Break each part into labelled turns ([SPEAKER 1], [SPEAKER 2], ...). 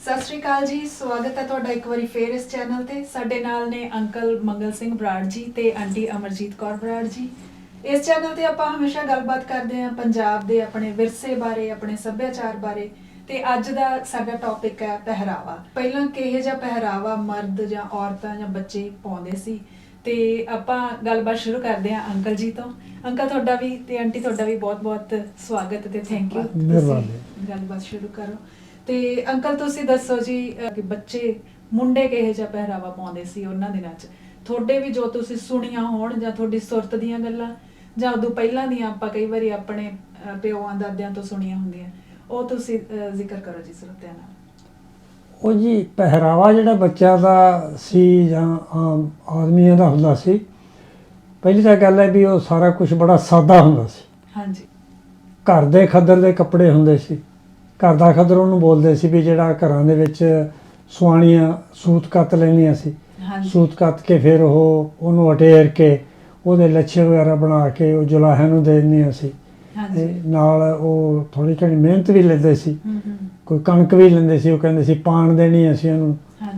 [SPEAKER 1] ਸਤਿ ਸ਼੍ਰੀ ਅਕਾਲ ਜੀ, ਸਵਾਗਤ ਹੈ ਤੁਹਾਡਾ ਇੱਕ ਵਾਰੀ ਫੇਰ ਇਸ ਚੈਨਲ ਤੇ। ਸਾਡੇ ਨਾਲ ਨੇ ਅੰਕਲ ਮੰਗਲ ਸਿੰਘ ਬਰਾੜ ਜੀ ਤੇ ਆਂਟੀ ਅਮਰਜੀਤ ਕੌਰ ਬਰਾੜ ਜੀ। ਇਸ ਚੈਨਲ ਤੇ ਆਪਾਂ ਹਮੇਸ਼ਾ ਗੱਲਬਾਤ ਕਰਦੇ ਹਾਂ ਪੰਜਾਬ ਦੇ ਆਪਣੇ ਵਿਰਸੇ ਬਾਰੇ, ਆਪਣੇ ਸੱਭਿਆਚਾਰ ਬਾਰੇ। ਤੇ ਅੱਜ ਦਾ ਸਾਡਾ ਟੌਪਿਕ ਹੈ ਪਹਿਰਾਵਾ। ਪਹਿਲਾਂ ਕਿਹੋ ਜਿਹਾ ਪਹਿਰਾਵਾ ਮਰਦ ਜਾਂ ਔਰਤਾਂ ਜਾਂ ਬੱਚੇ ਪਾਉਂਦੇ ਸੀ, ਤੇ ਆਪਾਂ ਗੱਲਬਾਤ ਸ਼ੁਰੂ ਕਰਦੇ ਹਾਂ ਅੰਕਲ ਜੀ ਤੋਂ। ਅੰਕਲ ਤੁਹਾਡਾ ਵੀ ਤੇ ਆਂਟੀ ਤੁਹਾਡਾ ਵੀ ਬਹੁਤ-ਬਹੁਤ ਸਵਾਗਤ ਤੇ ਥੈਂਕ ਯੂ। ਤੁਸੀਂ ਗੱਲਬਾਤ ਸ਼ੁਰੂ ਕਰੋ। ਤੇ ਅੰਕਲ ਤੁਸੀਂ ਦੱਸੋ ਜੀ ਕਿ ਬੱਚੇ ਮੁੰਡੇ ਕਿਹੋ ਜਿਹਾ ਪਹਿਰਾਵਾ ਪਾਉਂਦੇ ਸੀ ਉਹਨਾਂ ਦਿਨਾਂ 'ਚ, ਤੁਹਾਡੇ ਵੀ ਜੋ ਤੁਸੀਂ ਸੁਣੀਆਂ ਹੋਣ ਜਾਂ ਤੁਹਾਡੀ ਸੁਰਤ ਦੀਆਂ ਗੱਲਾਂ ਜਾਂ ਉਦੋਂ ਪਹਿਲਾਂ ਦੀਆਂ ਆਪਾਂ ਕਈ ਵਾਰੀ ਆਪਣੇ ਪਿਓਆਂ ਦਾਦਿਆਂ ਤੋਂ ਸੁਣੀਆਂ ਹੁੰਦੀਆਂ, ਉਹ ਤੁਸੀਂ ਜ਼ਿਕਰ ਕਰੋ ਜੀ ਸਰੋਤਿਆਂ ਨਾਲ।
[SPEAKER 2] ਉਹ ਜੀ ਪਹਿਰਾਵਾ ਜਿਹੜਾ ਬੱਚਿਆਂ ਦਾ ਸੀ ਜਾਂ ਆਮ ਆਦਮੀਆਂ ਦਾ ਹੁੰਦਾ ਸੀ, ਪਹਿਲੀ ਤਾਂ ਗੱਲ ਹੈ ਵੀ ਉਹ ਸਾਰਾ ਕੁਝ ਬੜਾ ਸਾਦਾ ਹੁੰਦਾ ਸੀ।
[SPEAKER 1] ਹਾਂਜੀ।
[SPEAKER 2] ਘਰ ਦੇ ਖੱਦਰ ਦੇ ਕੱਪੜੇ ਹੁੰਦੇ ਸੀ। ਘਰ ਦਾ ਖੱਦਰ ਉਹਨੂੰ ਬੋਲਦੇ ਸੀ ਵੀ ਜਿਹੜਾ ਘਰਾਂ ਦੇ ਵਿੱਚ ਸੁਆਣੀਆਂ ਸੂਤ ਕੱਤ ਲੈਂਦੀਆਂ ਸੀ। ਸੂਤ ਕੱਤ ਕੇ ਫਿਰ ਉਹਨੂੰ ਅਟੇਰ ਕੇ ਉਹਦੇ ਲੱਛੇ ਵਗੈਰਾ ਬਣਾ ਕੇ ਉਹ ਜੁਲਾਹਿਆਂ ਨੂੰ ਦੇ ਦਿੰਦੀਆਂ ਸੀ। ਨਾਲ ਉਹ ਥੋੜ੍ਹੀ ਘਣੀ ਮਿਹਨਤ ਵੀ ਲੈਂਦੇ ਸੀ। ਕੋਈ ਕਣਕ ਵੀ ਲੈਂਦੇ ਸੀ। ਉਹ ਕਹਿੰਦੇ ਸੀ ਪਾਣ ਦੇਣੀ ਅਸੀਂ ਉਹਨੂੰ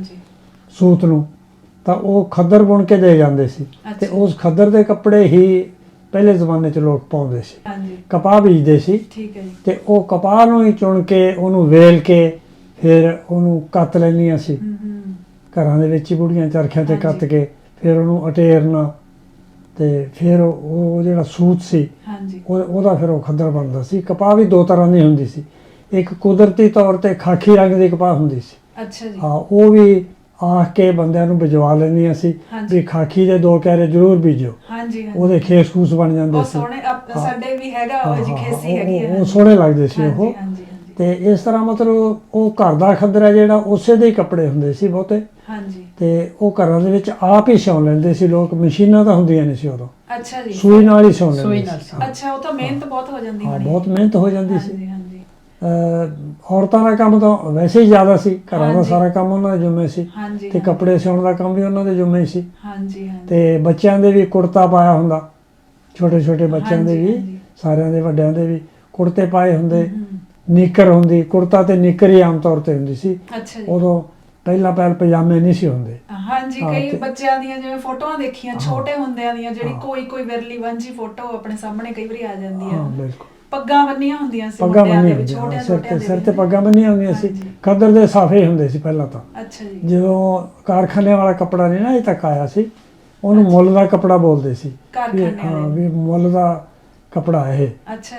[SPEAKER 2] ਸੂਤ ਨੂੰ, ਤਾਂ ਉਹ ਖੱਦਰ ਬੁਣ ਕੇ ਦੇ ਜਾਂਦੇ ਸੀ। ਤੇ ਉਸ ਖੱਦਰ ਦੇ ਕੱਪੜੇ ਹੀ ਪਹਿਲੇ ਜ਼ਮਾਨੇ 'ਚ ਲੋਕ ਪਾਉਂਦੇ ਸੀ। ਕਪਾਹ ਬੀਜਦੇ ਸੀ ਤੇ ਉਹ ਕਪਾਹ ਨੂੰ ਹੀ ਚੁਣ ਕੇ ਉਹਨੂੰ ਵੇਲ ਕੇ ਫਿਰ ਉਹਨੂੰ ਕੱਤ ਲੈਂਦੀਆਂ ਸੀ। ਘਰਾਂ ਦੇ ਵਿੱਚ ਹੀ ਬੁੜੀਆਂ ਚਰਖਿਆਂ 'ਤੇ ਕੱਤ ਕੇ ਫਿਰ ਉਹਨੂੰ ਅਟੇਰਨਾ ਤੇ ਫਿਰ ਉਹ ਜਿਹੜਾ ਸੂਤ ਸੀ ਉਹਦਾ ਫਿਰ ਉਹ ਖੱਦਰ ਬਣਦਾ ਸੀ। ਕਪਾਹ ਵੀ ਦੋ ਤਰ੍ਹਾਂ ਦੀ ਹੁੰਦੀ ਸੀ। ਇੱਕ ਕੁਦਰਤੀ ਤੌਰ 'ਤੇ ਖਾਕੀ ਰੰਗ ਦੀ ਕਪਾਹ ਹੁੰਦੀ ਸੀ। ਹਾਂ, ਉਹ ਵੀ ਆਖ ਕੇ ਬੰਦਿਆਂ ਨੂੰ ਬਿਜਵਾ ਲੈਂਦੀਆਂ ਸੀ ਵੀ ਖਾਕੀ ਦੇ 2 ਕਿਆਰੇ ਜ਼ਰੂਰ ਬੀਜੋ। ਉਹਦੇ ਖੇਸ ਖੂਸ ਬਣ ਜਾਂਦੇ ਸੀ।
[SPEAKER 1] ਸਾਡੇ ਵੀ ਹੈਗਾ ਉਹ ਜੀ ਖੇਸੀ ਹੈਗੀ ਹੈ।
[SPEAKER 2] ਉਹ ਸੋਹਣੇ ਲੱਗਦੇ ਸੀ ਉਹ। ਤੇ ਇਸ ਤਰ੍ਹਾਂ ਮਤਲਬ ਉਹ ਘਰ ਦਾ ਖੱਦਰ ਹੈ ਜਿਹੜਾ ਉਸੇ ਦੇ ਹੀ ਕੱਪੜੇ ਹੁੰਦੇ ਸੀ ਬਹੁਤੇ। ਤੇ ਉਹ ਘਰਾਂ ਦੇ ਵਿੱਚ ਆਪ ਹੀ ਸਿਉਂ ਲੈਂਦੇ ਸੀ ਲੋਕ। ਮਸ਼ੀਨਾਂ ਤਾਂ ਹੁੰਦੀਆਂ ਨਹੀਂ ਸੀ ਉਦੋਂ। ਸੂਈ ਨਾਲ ਹੀ ਸਿਉਂ ਲੈਂਦੇ ਸੀ।
[SPEAKER 1] ਅੱਛਾ, ਉਹ ਤਾਂ ਮਿਹਨਤ ਬਹੁਤ ਹੋ ਜਾਂਦੀ
[SPEAKER 2] ਹਾਂ, ਬਹੁਤ ਮਿਹਨਤ ਹੋ ਜਾਂਦੀ ਸੀ। ਔਰਤਾਂ ਦਾ ਕੰਮ ਤਾਂ ਵੈਸੇ ਹੀ ਜ਼ਿਆਦਾ ਸੀ। ਘਰਾਂ ਦਾ ਸਾਰਾ ਕੰਮ ਉਹਨਾਂ ਦੇ ਜ਼ਿੰਮੇ ਸੀ ਤੇ ਕੱਪੜੇ ਸਿਉਣ ਦਾ ਕੰਮ ਵੀ ਉਹਨਾਂ ਦੇ ਜ਼ਿੰਮੇ ਸੀ। ਤੇ ਬੱਚਿਆਂ ਦੇ ਵੀ ਕੁੜਤਾ ਪਾਇਆ ਹੁੰਦਾ, ਛੋਟੇ ਛੋਟੇ ਬੱਚਿਆਂ ਦੇ ਵੀ, ਸਾਰਿਆਂ ਦੇ ਵੱਡਿਆਂ ਦੇ ਵੀ ਕੁੜਤੇ ਪਾਏ ਹੁੰਦੇ। ਨਿੱਕਰ ਹੁੰਦੀ, ਕੁੜਤਾ ਤੇ ਨਿੱਕਰ ਹੀ ਆਮ ਤੌਰ ਤੇ ਹੁੰਦੀ ਸੀ ਉਦੋਂ। ਪਹਿਲਾਂ ਪਜਾਮੇ ਨਹੀਂ ਸੀ ਹੁੰਦੇ।
[SPEAKER 1] ਹਾਂਜੀ, ਕਈ ਬੱਚਿਆਂ ਦੀਆਂ ਜਿਵੇਂ ਫੋਟੋਆਂ ਦੇਖੀਆਂ ਛੋਟੇ ਹੁੰਦਿਆਂ ਦੀਆਂ, ਜਿਹੜੀ ਕੋਈ ਵਿਰਲੀ ਵਾਂਝੀ ਫੋਟੋ ਆਪਣੇ ਸਾਹਮਣੇ ਕਈ ਵਾਰੀ ਆ ਜਾਂਦੀ ਹੈ।
[SPEAKER 2] ਬਿਲਕੁਲ।
[SPEAKER 1] ਪੱਗਾਂ ਬੰਨੀਆਂ ਹੁੰਦੀਆਂ ਸੀ,
[SPEAKER 2] ਪੱਗਾਂ ਬੰਨੀਆਂ ਹੁੰਦੀਆਂ ਸਿਰ ਤੇ ਪੱਗਾਂ ਬੰਨੀਆਂ ਹੁੰਦੀਆਂ ਸੀ। ਖੱਦਰ ਦੇ ਸਾਫੇ ਹੁੰਦੇ ਸੀ ਪਹਿਲਾਂ ਤਾਂ। ਜਦੋਂ ਕਾਰਖਾਨੇ ਵਾਲਾ ਕੱਪੜਾ ਨਹੀਂ ਨਾ ਅਜੇ ਤੱਕ ਆਇਆ ਸੀ, ਉਹਨੂੰ ਮੁੱਲ ਦਾ ਕੱਪੜਾ ਬੋਲਦੇ ਸੀ। ਹਾਂ, ਵੀ ਮੁੱਲ ਦਾ ਕੱਪੜਾ ਇਹ।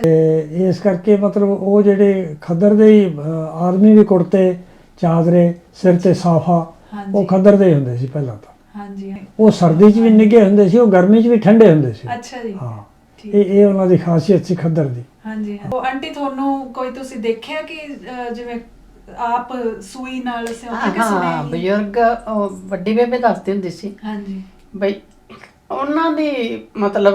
[SPEAKER 2] ਤੇ ਇਸ ਕਰਕੇ ਮਤਲਬ ਉਹ ਜਿਹੜੇ ਖੱਦਰ ਦੇ ਹੀ ਆਦਮੀ ਵੀ ਕੁੜਤੇ ਚਾਦਰੇ, ਸਿਰ ਤੇ ਸਾਫਾ, ਉਹ ਖੱਦਰ ਦੇ ਹੀ ਹੁੰਦੇ ਸੀ ਪਹਿਲਾਂ ਤਾਂ। ਉਹ ਸਰਦੀ 'ਚ ਵੀ ਨਿੱਘੇ ਹੁੰਦੇ ਸੀ, ਉਹ ਗਰਮੀ 'ਚ ਵੀ ਠੰਡੇ ਹੁੰਦੇ ਸੀ। ਹਾਂ, ਇਹ ਉਹਨਾਂ ਦੀ ਖਾਸੀਅਤ ਸੀ ਖੱਦਰ ਦੀ।
[SPEAKER 1] ਉਹ ਆਂਟੀ ਤੁਹਾਨੂੰ ਕੋਈ ਤੁਸੀਂ ਦੇਖਿਆ ਕਿ ਜਿਵੇਂ ਆਪ ਸੂਈ ਨਾਲ ਸਿਉਂਦੇ ਕਿਸੇ ਨੇ?
[SPEAKER 3] ਹਾਂ, ਬਜ਼ੁਰਗ ਵੱਡੀ ਬੇਬੇ ਦੱਸਦੀ ਹੁੰਦੀ ਸੀ ਬਈ ਉਹਨਾਂ ਦੀ ਮਤਲਬ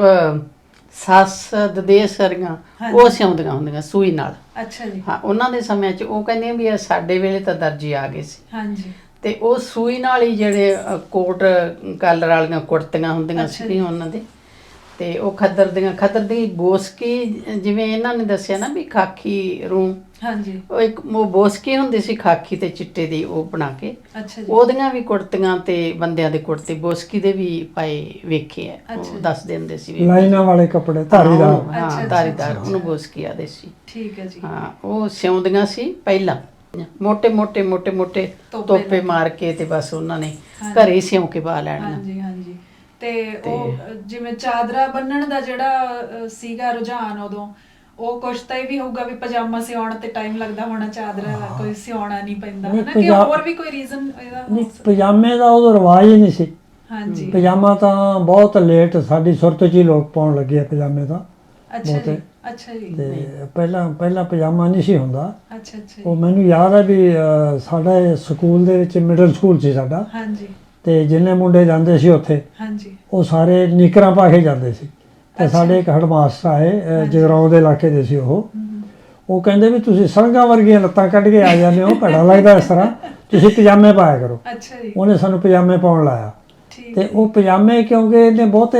[SPEAKER 3] ਸੱਸ ਦਦੇਸ ਕਰੀਆਂ ਉਹ ਸਿਉਂਦੀਆਂ ਹੁੰਦੀਆਂ ਸੂਈ ਨਾਲ। ਹਾਂ, ਉਹਨਾਂ ਦੇ ਸਮੇਂ 'ਚ ਉਹ ਕਹਿੰਦੀਆਂ ਵੀ ਸਾਡੇ ਵੇਲੇ ਤਾਂ ਦਰਜੀ ਆ ਗਏ ਸੀ ਤੇ ਉਹ ਸੂਈ ਨਾਲ ਹੀ ਜਿਹੜੇ ਕੋਟ ਕਾਲਰ ਵਾਲੀਆਂ ਕੁੜਤੀਆਂ ਹੁੰਦੀਆਂ ਸੀਗੀਆਂ ਉਹਨਾਂ ਦੇ। ਤੇ ਉਹ ਖੱਦਰ ਦੀ ਬੋਸਕੀ, ਜਿਵੇਂ ਇਹਨਾਂ ਨੇ ਦੱਸਿਆ ਨਾ ਵੀ ਖਾਕੀ ਰੂੰ, ਉਹ ਇੱਕ ਉਹ ਬੋਸਕੀ ਹੁੰਦੀ ਸੀ ਖਾਕੀ ਤੇ ਚਿੱਟੇ ਦੀ, ਉਹ ਬਣਾ ਕੇ ਉਹਦੀਆਂ ਵੀ ਕੁੜਤੀਆਂ ਤੇ ਬੰਦਿਆਂ ਦੇ ਕੁੜਤੇ ਬੋਸਕੀ ਦੇ ਵੀ ਪਾਏ ਵੇਖੇ ਆ। ਉਹ ਦੱਸਦੇ ਹੁੰਦੇ ਸੀ
[SPEAKER 2] ਲਾਈਨਾਂ ਵਾਲੇ ਕੱਪੜੇ ਧਾਰੀਦਾਰ।
[SPEAKER 3] ਹਾਂ, ਧਾਰੀਦਾਰ, ਉਹਨੂੰ ਬੋਸਕੀ ਆਦੇ ਸੀ। ਹਾਂ, ਉਹ ਸਿਉਂਦੀਆਂ ਸੀ ਪਹਿਲਾਂ ਮੋਟੇ ਮੋਟੇ ਤੋਪੇ ਮਾਰ ਕੇ ਤੇ ਬਸ ਉਹਨਾਂ ਨੇ ਘਰੇ ਸਿਉਂ ਕੇ ਪਾ ਲੈਣੀਆਂ।
[SPEAKER 1] ਤੇ ਉਹ ਜਿਵੇਂ ਚਾਦਰਾ ਬੰਨਣ ਦਾ ਜਿਹੜਾ ਸੀਗਾ ਰੁਝਾਨ ਉਦੋਂ, ਉਹ ਕੁਛ ਤਾਂ ਇਹ ਵੀ ਹੋਊਗਾ ਵੀ ਪਜਾਮਾ ਸਿਉਣ ਤੇ ਟਾਈਮ ਲੱਗਦਾ ਹੋਣਾ, ਚਾਦਰਾ ਦਾ ਕੋਈ ਸਿਉਣਾ ਨਹੀਂ ਪੈਂਦਾ ਹਨਾ, ਕਿ ਹੋਰ ਵੀ ਕੋਈ ਰੀਜ਼ਨ ਇਹਦਾ? ਨਹੀਂ,
[SPEAKER 2] ਪਜਾਮੇ ਦਾ ਉਦੋਂ ਰਿਵਾਜ ਹੀ ਨਹੀਂ ਸੀ। ਪਜਾਮਾ ਤਾਂ ਬਹੁਤ ਲੇਟ ਸਾਡੀ ਸੁਰਤ 'ਚ ਹੀ ਲੋਕ ਪਾਉਣ ਲੱਗੇ ਆ ਪਜਾਮੇ ਤਾਂ ਬਹੁਤੇ। ਤੇ ਪਹਿਲਾਂ ਪਜਾਮਾ ਨਹੀਂ ਸੀ ਹੁੰਦਾ। ਉਹ ਮੈਨੂੰ ਯਾਦ ਹੈ ਵੀ ਸਾਡੇ ਸਕੂਲ ਦੇ ਵਿੱਚ ਮਿਡਲ ਸਕੂਲ ਸੀ ਸਾਡਾ, ਤੇ ਜਿੰਨੇ ਮੁੰਡੇ ਜਾਂਦੇ ਸੀ ਉੱਥੇ ਉਹ ਸਾਰੇ ਨਿੱਕਰਾਂ ਪਾ ਕੇ ਜਾਂਦੇ ਸੀ। ਤੇ ਸਾਡੇ ਇੱਕ ਹੈਡਮਾਸਟਰ ਆਏ, ਜਗਰਾਉਂ ਦੇ ਇਲਾਕੇ ਦੇ ਸੀ ਉਹ ਕਹਿੰਦੇ ਵੀ ਤੁਸੀਂ ਸੜਕਾਂ ਵਰਗੀਆਂ ਲੱਤਾਂ ਕੱਢ ਕੇ ਆ ਜਾਂਦੇ ਹੋ, ਭੈੜਾ ਲੱਗਦਾ ਇਸ ਤਰ੍ਹਾਂ, ਤੁਸੀਂ ਪਜਾਮੇ ਪਾਇਆ ਕਰੋ। ਉਹਨੇ ਸਾਨੂੰ ਪਜਾਮੇ ਪਾਉਣ ਲਾਇਆ। ਤੇ ਉਹ ਪਜਾਮੇ ਕਿਉਂਕਿ ਇਹਨੇ ਬਹੁਤੇ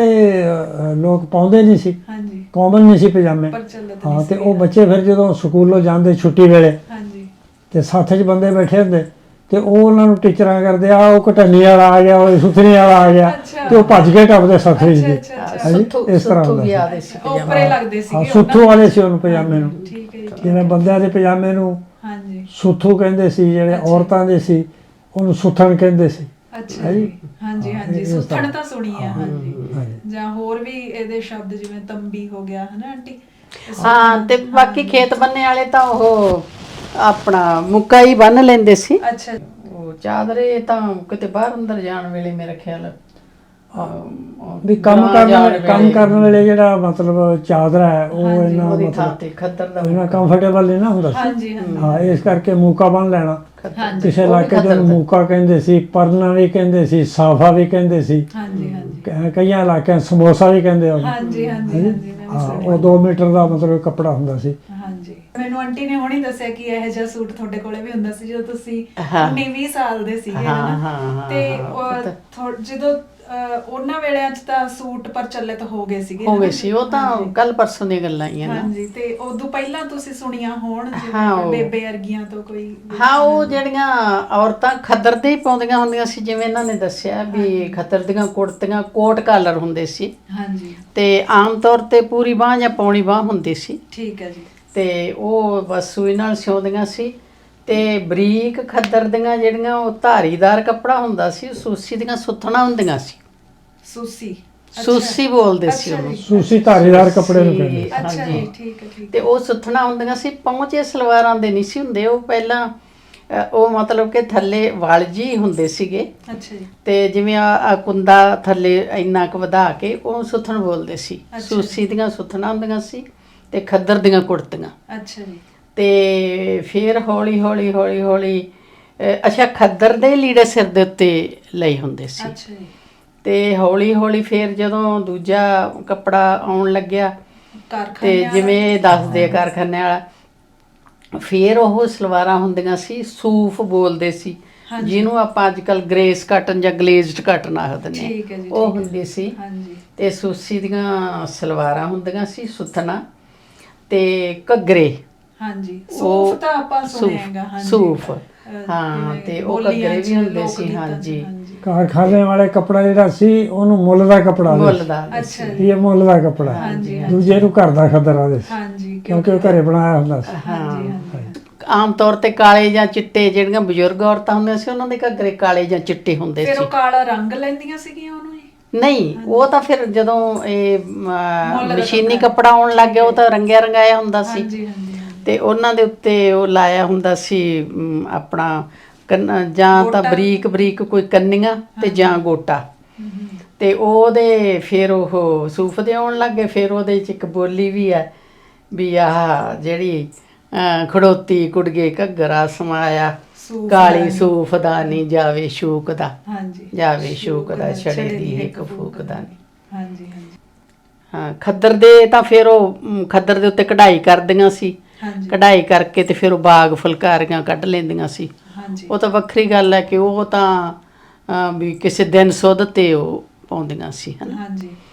[SPEAKER 2] ਲੋਕ ਪਾਉਂਦੇ ਨਹੀਂ ਸੀ, ਕਾਮਨ ਨਹੀਂ ਸੀ ਪਜਾਮੇ। ਹਾਂ, ਤੇ ਉਹ ਬੱਚੇ ਫਿਰ ਜਦੋਂ ਸਕੂਲੋਂ ਜਾਂਦੇ ਛੁੱਟੀ ਵੇਲੇ ਤੇ ਸਾਥ 'ਚ ਬੰਦੇ ਬੈਠੇ ਹੁੰਦੇ ਤੇ ਉਹ ਉਹਨਾਂ ਨੂੰ ਟੀਚਰਾਂ ਕਰਦੇ ਆ ਉਹ ਘਟੰਨੀ ਵਾਲਾ ਆ ਗਿਆ, ਉਹ ਸੁਥਰੀ ਵਾਲਾ ਆ ਗਿਆ, ਤੇ ਉਹ ਭੱਜ ਕੇ ਟੱਪਦੇ ਸਤਰੀ ਜੀ। ਹਾਂਜੀ, ਇਸ ਤਰ੍ਹਾਂ ਹੁੰਦਾ ਸੀ।
[SPEAKER 1] ਉੱਪਰੇ ਲੱਗਦੇ ਸੀਗੇ
[SPEAKER 2] ਸੁੱਥੂ ਵਾਲੇ ਸੀ ਉਹਨੂੰ ਪਜਾਮੇ ਨੂੰ।
[SPEAKER 1] ਠੀਕ ਹੈ ਜੀ।
[SPEAKER 2] ਜਿਵੇਂ ਬੰਦਿਆਂ ਦੇ ਪਜਾਮੇ ਨੂੰ
[SPEAKER 1] ਹਾਂਜੀ
[SPEAKER 2] ਸੁੱਥੂ ਕਹਿੰਦੇ ਸੀ, ਜਿਹੜੇ ਔਰਤਾਂ ਦੇ ਸੀ ਉਹਨੂੰ ਸੁੱਥਣ ਕਹਿੰਦੇ ਸੀ।
[SPEAKER 1] ਅੱਛਾ ਜੀ। ਹਾਂਜੀ ਹਾਂਜੀ, ਸੁੱਥਣ ਤਾਂ ਸੁਣੀ ਆ। ਹਾਂਜੀ, ਜਾਂ ਹੋਰ ਵੀ ਇਹਦੇ ਸ਼ਬਦ ਜਿਵੇਂ ਤੰਬੀ ਹੋ ਗਿਆ ਹਨਾ ਆਂਟੀ।
[SPEAKER 3] ਹਾਂ, ਤੇ ਬਾਕੀ ਖੇਤ ਬੰਨੇ ਵਾਲੇ ਤਾਂ ਉਹ ਆਪਣਾ ਮੁੱਕਾ ਹੀ ਬੰਨ ਲੈਂਦੇ ਸੀ।
[SPEAKER 1] ਅੱਛਾ,
[SPEAKER 3] ਉਹ ਚਾਦਰੇ ਤਾਂ ਕਿਤੇ ਬਾਹਰ ਅੰਦਰ ਜਾਣ ਵੇਲੇ ਮੇਰੇ ਖਿਆਲ
[SPEAKER 2] ਵੀ ਕੰਮ ਕਰਨ ਵੇਲੇ ਜਿਹੜਾ ਮਤਲਬ ਚਾਦਰਾ ਹੈ ਉਹ ਇਹਨਾਂ
[SPEAKER 3] ਉਹਦੀ ਥਾਂ
[SPEAKER 2] ਮਤਲਬ
[SPEAKER 3] ਤੇ ਖੱਦਰ ਦਾ
[SPEAKER 2] ਇਹਨਾਂ ਕੰਫਰਟੇਬਲ ਨਹੀਂ ਨਾ ਹੁੰਦਾ ਸੀ।
[SPEAKER 1] ਹਾਂਜੀ ਹਾਂਜੀ
[SPEAKER 2] ਹਾਂ, ਇਸ ਕਰਕੇ ਮੂਕਾ ਬੰਨ ਲੈਣਾ।
[SPEAKER 1] ਹਾਂਜੀ,
[SPEAKER 2] ਕਿਸੇ ਇਲਾਕੇ ਦੇ ਮੂਕਾ ਕਹਿੰਦੇ ਸੀ, ਪਰਨਾ ਵੀ ਕਹਿੰਦੇ ਸੀ, ਸਾਫਾ ਵੀ ਕਹਿੰਦੇ ਸੀ।
[SPEAKER 1] ਹਾਂਜੀ ਹਾਂਜੀ
[SPEAKER 2] ਕਈਆਂ ਇਲਾਕਿਆਂ ਸਮੋਸਾ ਵੀ ਕਹਿੰਦੇ ਉਹਨੂੰ।
[SPEAKER 1] ਹਾਂਜੀ ਹਾਂਜੀ ਹਾਂਜੀ, ਮੈਂ ਵੀ
[SPEAKER 2] ਹਾਂ,
[SPEAKER 1] ਸੁਣਿਆ।
[SPEAKER 2] ਉਹ 2 ਮੀਟਰ ਦਾ ਮਤਲਬ ਕੱਪੜਾ ਹੁੰਦਾ ਸੀ।
[SPEAKER 1] ਹਾਂਜੀ, ਮੈਨੂੰ ਆਂਟੀ ਨੇ ਹੁਣੀ ਦੱਸਿਆ ਕਿ ਇਹੋ ਜਿਹਾ ਸੂਟ ਤੁਹਾਡੇ ਕੋਲੇ ਵੀ ਹੁੰਦਾ ਸੀ ਜਦੋਂ ਤੁਸੀਂ
[SPEAKER 3] ਹਾਂ।
[SPEAKER 1] 19-20 ਸਾਲ ਦੇ ਸੀਗੇ
[SPEAKER 3] ਹਾਂ,
[SPEAKER 1] ਹਨਾ।
[SPEAKER 3] ਹਾਂ,
[SPEAKER 1] ਤੇ
[SPEAKER 3] ਹਾਂ,
[SPEAKER 1] ਜਦੋਂ ਉਹਨਾਂ ਵੇਲਿਆਂ 'ਚ ਤਾਂ ਸੂਟ ਪ੍ਰਚਲਿਤ ਹੋ ਗਏ ਸੀਗੇ
[SPEAKER 3] ਹੋ ਗਏ
[SPEAKER 1] ਹਨਾ?
[SPEAKER 3] ਸੀ। ਉਹ ਤਾਂ ਕੱਲ ਪਰਸੋਂ ਦੀਆਂ ਗੱਲਾਂ ਹੀ ਆ ਨਾ।
[SPEAKER 1] ਹਾਂਜੀ, ਤੇ ਉਦੋਂ ਪਹਿਲਾਂ ਤੁਸੀਂ ਸੁਣੀਆਂ ਹੋਣ
[SPEAKER 3] ਹਾਂ,
[SPEAKER 1] ਜਿਵੇਂ
[SPEAKER 3] ਉਹ-
[SPEAKER 1] ਬੇਬੇ ਅਰਗੀਆਂ ਤੋਂ ਕੋਈ
[SPEAKER 3] ਹਾਂ, ਉਹ ਜਿਹੜੀਆਂ ਔਰਤਾਂ ਖੱਦਰ ਦੇ ਹੀ ਪਾਉਂਦੀਆਂ ਹੁੰਦੀਆਂ ਸੀ, ਜਿਵੇਂ ਇਹਨਾਂ ਨੇ ਦੱਸਿਆ ਵੀ ਖੱਦਰ ਦੀਆਂ ਕੁੜਤੀਆਂ ਕੋਟ ਕਾਲਰ ਹੁੰਦੇ ਸੀ,
[SPEAKER 1] ਹਾਂਜੀ
[SPEAKER 3] ਤੇ ਆਮ ਤੌਰ ਤੇ ਪੂਰੀ ਬਾਂਹ ਜਾਂ ਪੌਣੀ ਬਾਂਹ ਹੁੰਦੀ ਸੀ,
[SPEAKER 1] ਠੀਕ ਹੈ ਜੀ।
[SPEAKER 3] ਤੇ ਉਹ ਬਸ ਸੂਈ ਨਾਲ ਸਿਉਂਦੀਆਂ ਸੀ। ਤੇ ਬਰੀਕ ਖੱਦਰ ਦੀਆਂ ਜਿਹੜੀਆਂ ਉਹ ਧਾਰੀਦਾਰ ਕੱਪੜਾ ਹੁੰਦਾ ਸੀ, ਸੂਸੀ ਦੀਆਂ ਸੁੱਥਣਾ ਹੁੰਦੀਆਂ ਸੀ।
[SPEAKER 1] ਸੂਸੀ
[SPEAKER 3] ਸੂਸੀ ਬੋਲਦੇ ਸੀ
[SPEAKER 1] ਅੱਛਾ
[SPEAKER 3] ਉਹਨੂੰ।
[SPEAKER 1] ਜੀ।
[SPEAKER 2] ਸੂਸੀ ਧਾਰੀਦਾਰ ਕੱਪੜੇ ਨੂੰ ਕਹਿੰਦੇ।
[SPEAKER 1] ਅੱਛਾ
[SPEAKER 3] ਹਾਂਜੀ।
[SPEAKER 1] ਜੀ, ਠੀਕ ਹੈ ਠੀਕ
[SPEAKER 3] ਤੇ ਉਹ ਸੁੱਥਣਾ ਹੁੰਦੀਆਂ ਸੀ। ਪਹੁੰਚੇ ਸਲਵਾਰਾਂ ਦੇ ਨਹੀਂ ਸੀ ਹੁੰਦੇ ਉਹ ਪਹਿਲਾਂ। ਉਹ ਮਤਲਬ ਕਿ ਥੱਲੇ ਵਲ ਜੀ ਹੁੰਦੇ ਸੀਗੇ,
[SPEAKER 1] ਅੱਛਾ ਜੀ।
[SPEAKER 3] ਤੇ ਜਿਵੇਂ ਆ ਕੁੰਦਾ ਥੱਲੇ ਇੰਨਾ ਕੁ ਵਧਾ ਕੇ ਉਹ ਸੁੱਥਣ ਬੋਲਦੇ ਸੀ।
[SPEAKER 1] ਅੱਛਾ।
[SPEAKER 3] ਸੂਸੀ ਦੀਆਂ ਸੁੱਥਣਾ ਹੁੰਦੀਆਂ ਸੀ ਤੇ ਖੱਦਰ ਦੀਆਂ ਕੁੜਤੀਆਂ।
[SPEAKER 1] ਅੱਛਾ ਜੀ।
[SPEAKER 3] ਤੇ ਫਿਰ ਹੌਲੀ ਹੌਲੀ ਹੌਲੀ ਹੌਲੀ ਅੱਛਾ, ਖੱਦਰ ਦੇ ਲੀੜੇ ਸਿਰ ਦੇ ਉੱਤੇ ਲਈ ਹੁੰਦੇ ਸੀ।
[SPEAKER 1] ਅੱਛਾ ਜੀ।
[SPEAKER 3] ਤੇ ਹੌਲੀ ਹੌਲੀ ਫਿਰ ਜਦੋਂ ਦੂਜਾ ਕੱਪੜਾ ਆਉਣ ਲੱਗਿਆ, ਤੇ ਜਿਵੇਂ ਇਹ ਦੱਸਦੇ ਆ ਕਾਰਖਾਨੇ ਵਾਲਾ, ਫਿਰ ਉਹ ਸਲਵਾਰਾਂ ਹੁੰਦੀਆਂ ਸੀ, ਸੂਫ ਬੋਲਦੇ ਸੀ, ਜਿਹਨੂੰ ਆਪਾਂ ਅੱਜ ਕੱਲ੍ਹ ਗ੍ਰੇਸ ਕਾਟਨ ਜਾਂ ਗਲੇਜ਼ਡ ਕਾਟਨ ਆਖਦੇ ਨੇ,
[SPEAKER 1] ਠੀਕ ਹੈ ਜੀ,
[SPEAKER 3] ਉਹ
[SPEAKER 1] ਠੀਕ ਹੈ।
[SPEAKER 3] ਹੁੰਦੀ ਸੀ।
[SPEAKER 1] ਹਾਂਜੀ।
[SPEAKER 3] ਤੇ ਸੂਸੀ ਦੀਆਂ ਸਲਵਾਰਾਂ ਹੁੰਦੀਆਂ ਸੀ, ਸੁੱਥਣਾ ਤੇ ਘੱਗਰੇ।
[SPEAKER 1] ਹਾਂਜੀ, ਸੂਫ ਤਾਂ ਆਪਾਂ ਸੁਣਿਆ ਹੈਗਾ। ਹਾਂਜੀ,
[SPEAKER 3] ਸੂਫ, ਹਾਂ, ਤੇ ਉਹ ਘੱਗਰੇ ਵੀ ਹੁੰਦੇ ਸੀ। ਹਾਂਜੀ,
[SPEAKER 2] ਕਾਰਖਾਨੇ ਵਾਲੇ ਕੱਪੜਾ ਜਿਹੜਾ ਸੀ ਉਹਨੂੰ ਮੁੱਲ ਦਾ ਕੱਪੜਾ
[SPEAKER 3] ਮੁੱਲ ਦਾ।
[SPEAKER 1] ਅੱਛਾ
[SPEAKER 2] ਵੀ ਇਹ ਮੁੱਲ ਦਾ ਕੱਪੜਾ।
[SPEAKER 1] ਹਾਂਜੀ,
[SPEAKER 2] ਦੂਜੇ ਨੂੰ ਘਰ ਦਾ ਖੱਦਰ ਆਦੇ ਸੀ,
[SPEAKER 1] ਹਾਂਜੀ,
[SPEAKER 2] ਕਿਉਂਕਿ ਉਹ ਘਰੇ ਬਣਾਇਆ ਹੁੰਦਾ ਸੀ।
[SPEAKER 1] ਹਾਂਜੀ ਹਾਂਜੀ।
[SPEAKER 3] ਆਮ ਤੌਰ ਤੇ ਕਾਲੇ ਜਾਂ ਚਿੱਟੇ, ਜਿਹੜੀਆਂ ਬਜ਼ੁਰਗ ਔਰਤਾਂ ਹੁੰਦੀਆਂ ਸੀ ਉਹਨਾਂ ਦੇ ਘੱਗਰੇ ਕਾਲੇ ਜਾਂ ਚਿੱਟੇ ਹੁੰਦੇ
[SPEAKER 1] ਫਿਰ
[SPEAKER 3] ਸੀ।
[SPEAKER 1] ਉਹ ਕਾਲਾ ਰੰਗ ਲੈਂਦੀਆਂ ਸੀਗੀਆਂ ਉਹਨੂੰ ਜੀ?
[SPEAKER 3] ਨਹੀਂ, ਉਹ ਤਾਂ ਫਿਰ ਜਦੋਂ ਇਹ
[SPEAKER 1] ਮੁੱਲ ਦਾ
[SPEAKER 3] ਮਸ਼ੀਨੀ ਕੱਪੜਾ ਆਉਣ ਲੱਗ ਗਿਆ, ਉਹ ਤਾਂ ਰੰਗਿਆ ਰੰਗਾਇਆ ਹੁੰਦਾ ਸੀ।
[SPEAKER 1] ਹਾਂਜੀ ਹਾਂਜੀ।
[SPEAKER 3] ਤੇ ਉਹਨਾਂ ਦੇ ਉੱਤੇ ਉਹ ਲਾਇਆ ਹੁੰਦਾ ਸੀ ਆਪਣਾ ਜਾਂ ਤਾਂ ਬਰੀਕ ਬਰੀਕ ਕੋਈ ਕੰਨੀਆਂ ਤੇ ਜਾਂ ਗੋਟਾ। ਤੇ ਉਹਦੇ ਫਿਰ ਉਹ ਸੂਫ ਦੇ ਆਉਣ ਲੱਗ ਗਏ। ਫਿਰ ਉਹਦੇ 'ਚ ਇੱਕ ਬੋਲੀ ਵੀ ਹੈ ਵੀ ਆਹ ਜਿਹੜੀ ਖੜੋਤੀ ਕੁੜੀਏ ਘੱਗਰਾ ਸਮਾਇਆ, ਕਾਲੀ ਸੂਫ ਦਾ ਨੀ ਜਾਵੇ ਸ਼ੂਕ ਦਾ, ਜਾਵੇ ਸ਼ੂਕ ਦਾ ਛੜੇ ਦੀ ਇੱਕ ਫੂਕ ਦਾ ਨੀ।
[SPEAKER 1] ਹਾਂਜੀ ਹਾਂਜੀ।
[SPEAKER 3] ਹਾਂ, ਖੱਦਰ ਦੇ ਤਾਂ ਫਿਰ ਉਹ ਖੱਦਰ ਦੇ ਉੱਤੇ ਕਢਾਈ ਕਰਦੀਆਂ ਸੀ। ਕਢਾਈ ਕਰਕੇ ਤੇ ਫਿਰ ਉਹ ਬਾਗ ਫੁਲਕਾਰੀਆਂ ਕੱਢ ਲੈਂਦੀਆਂ ਸੀ। ਉਹ ਤਾਂ ਵੱਖਰੀ ਗੱਲ ਹੈ ਕਿ ਉਹ ਤਾਂ ਵੀ ਕਿਸੇ ਦਿਨ ਸੁੱਧ ਤੇ ਉਹ ਪਾਉਂਦੀਆਂ ਸੀ, ਹਨਾ।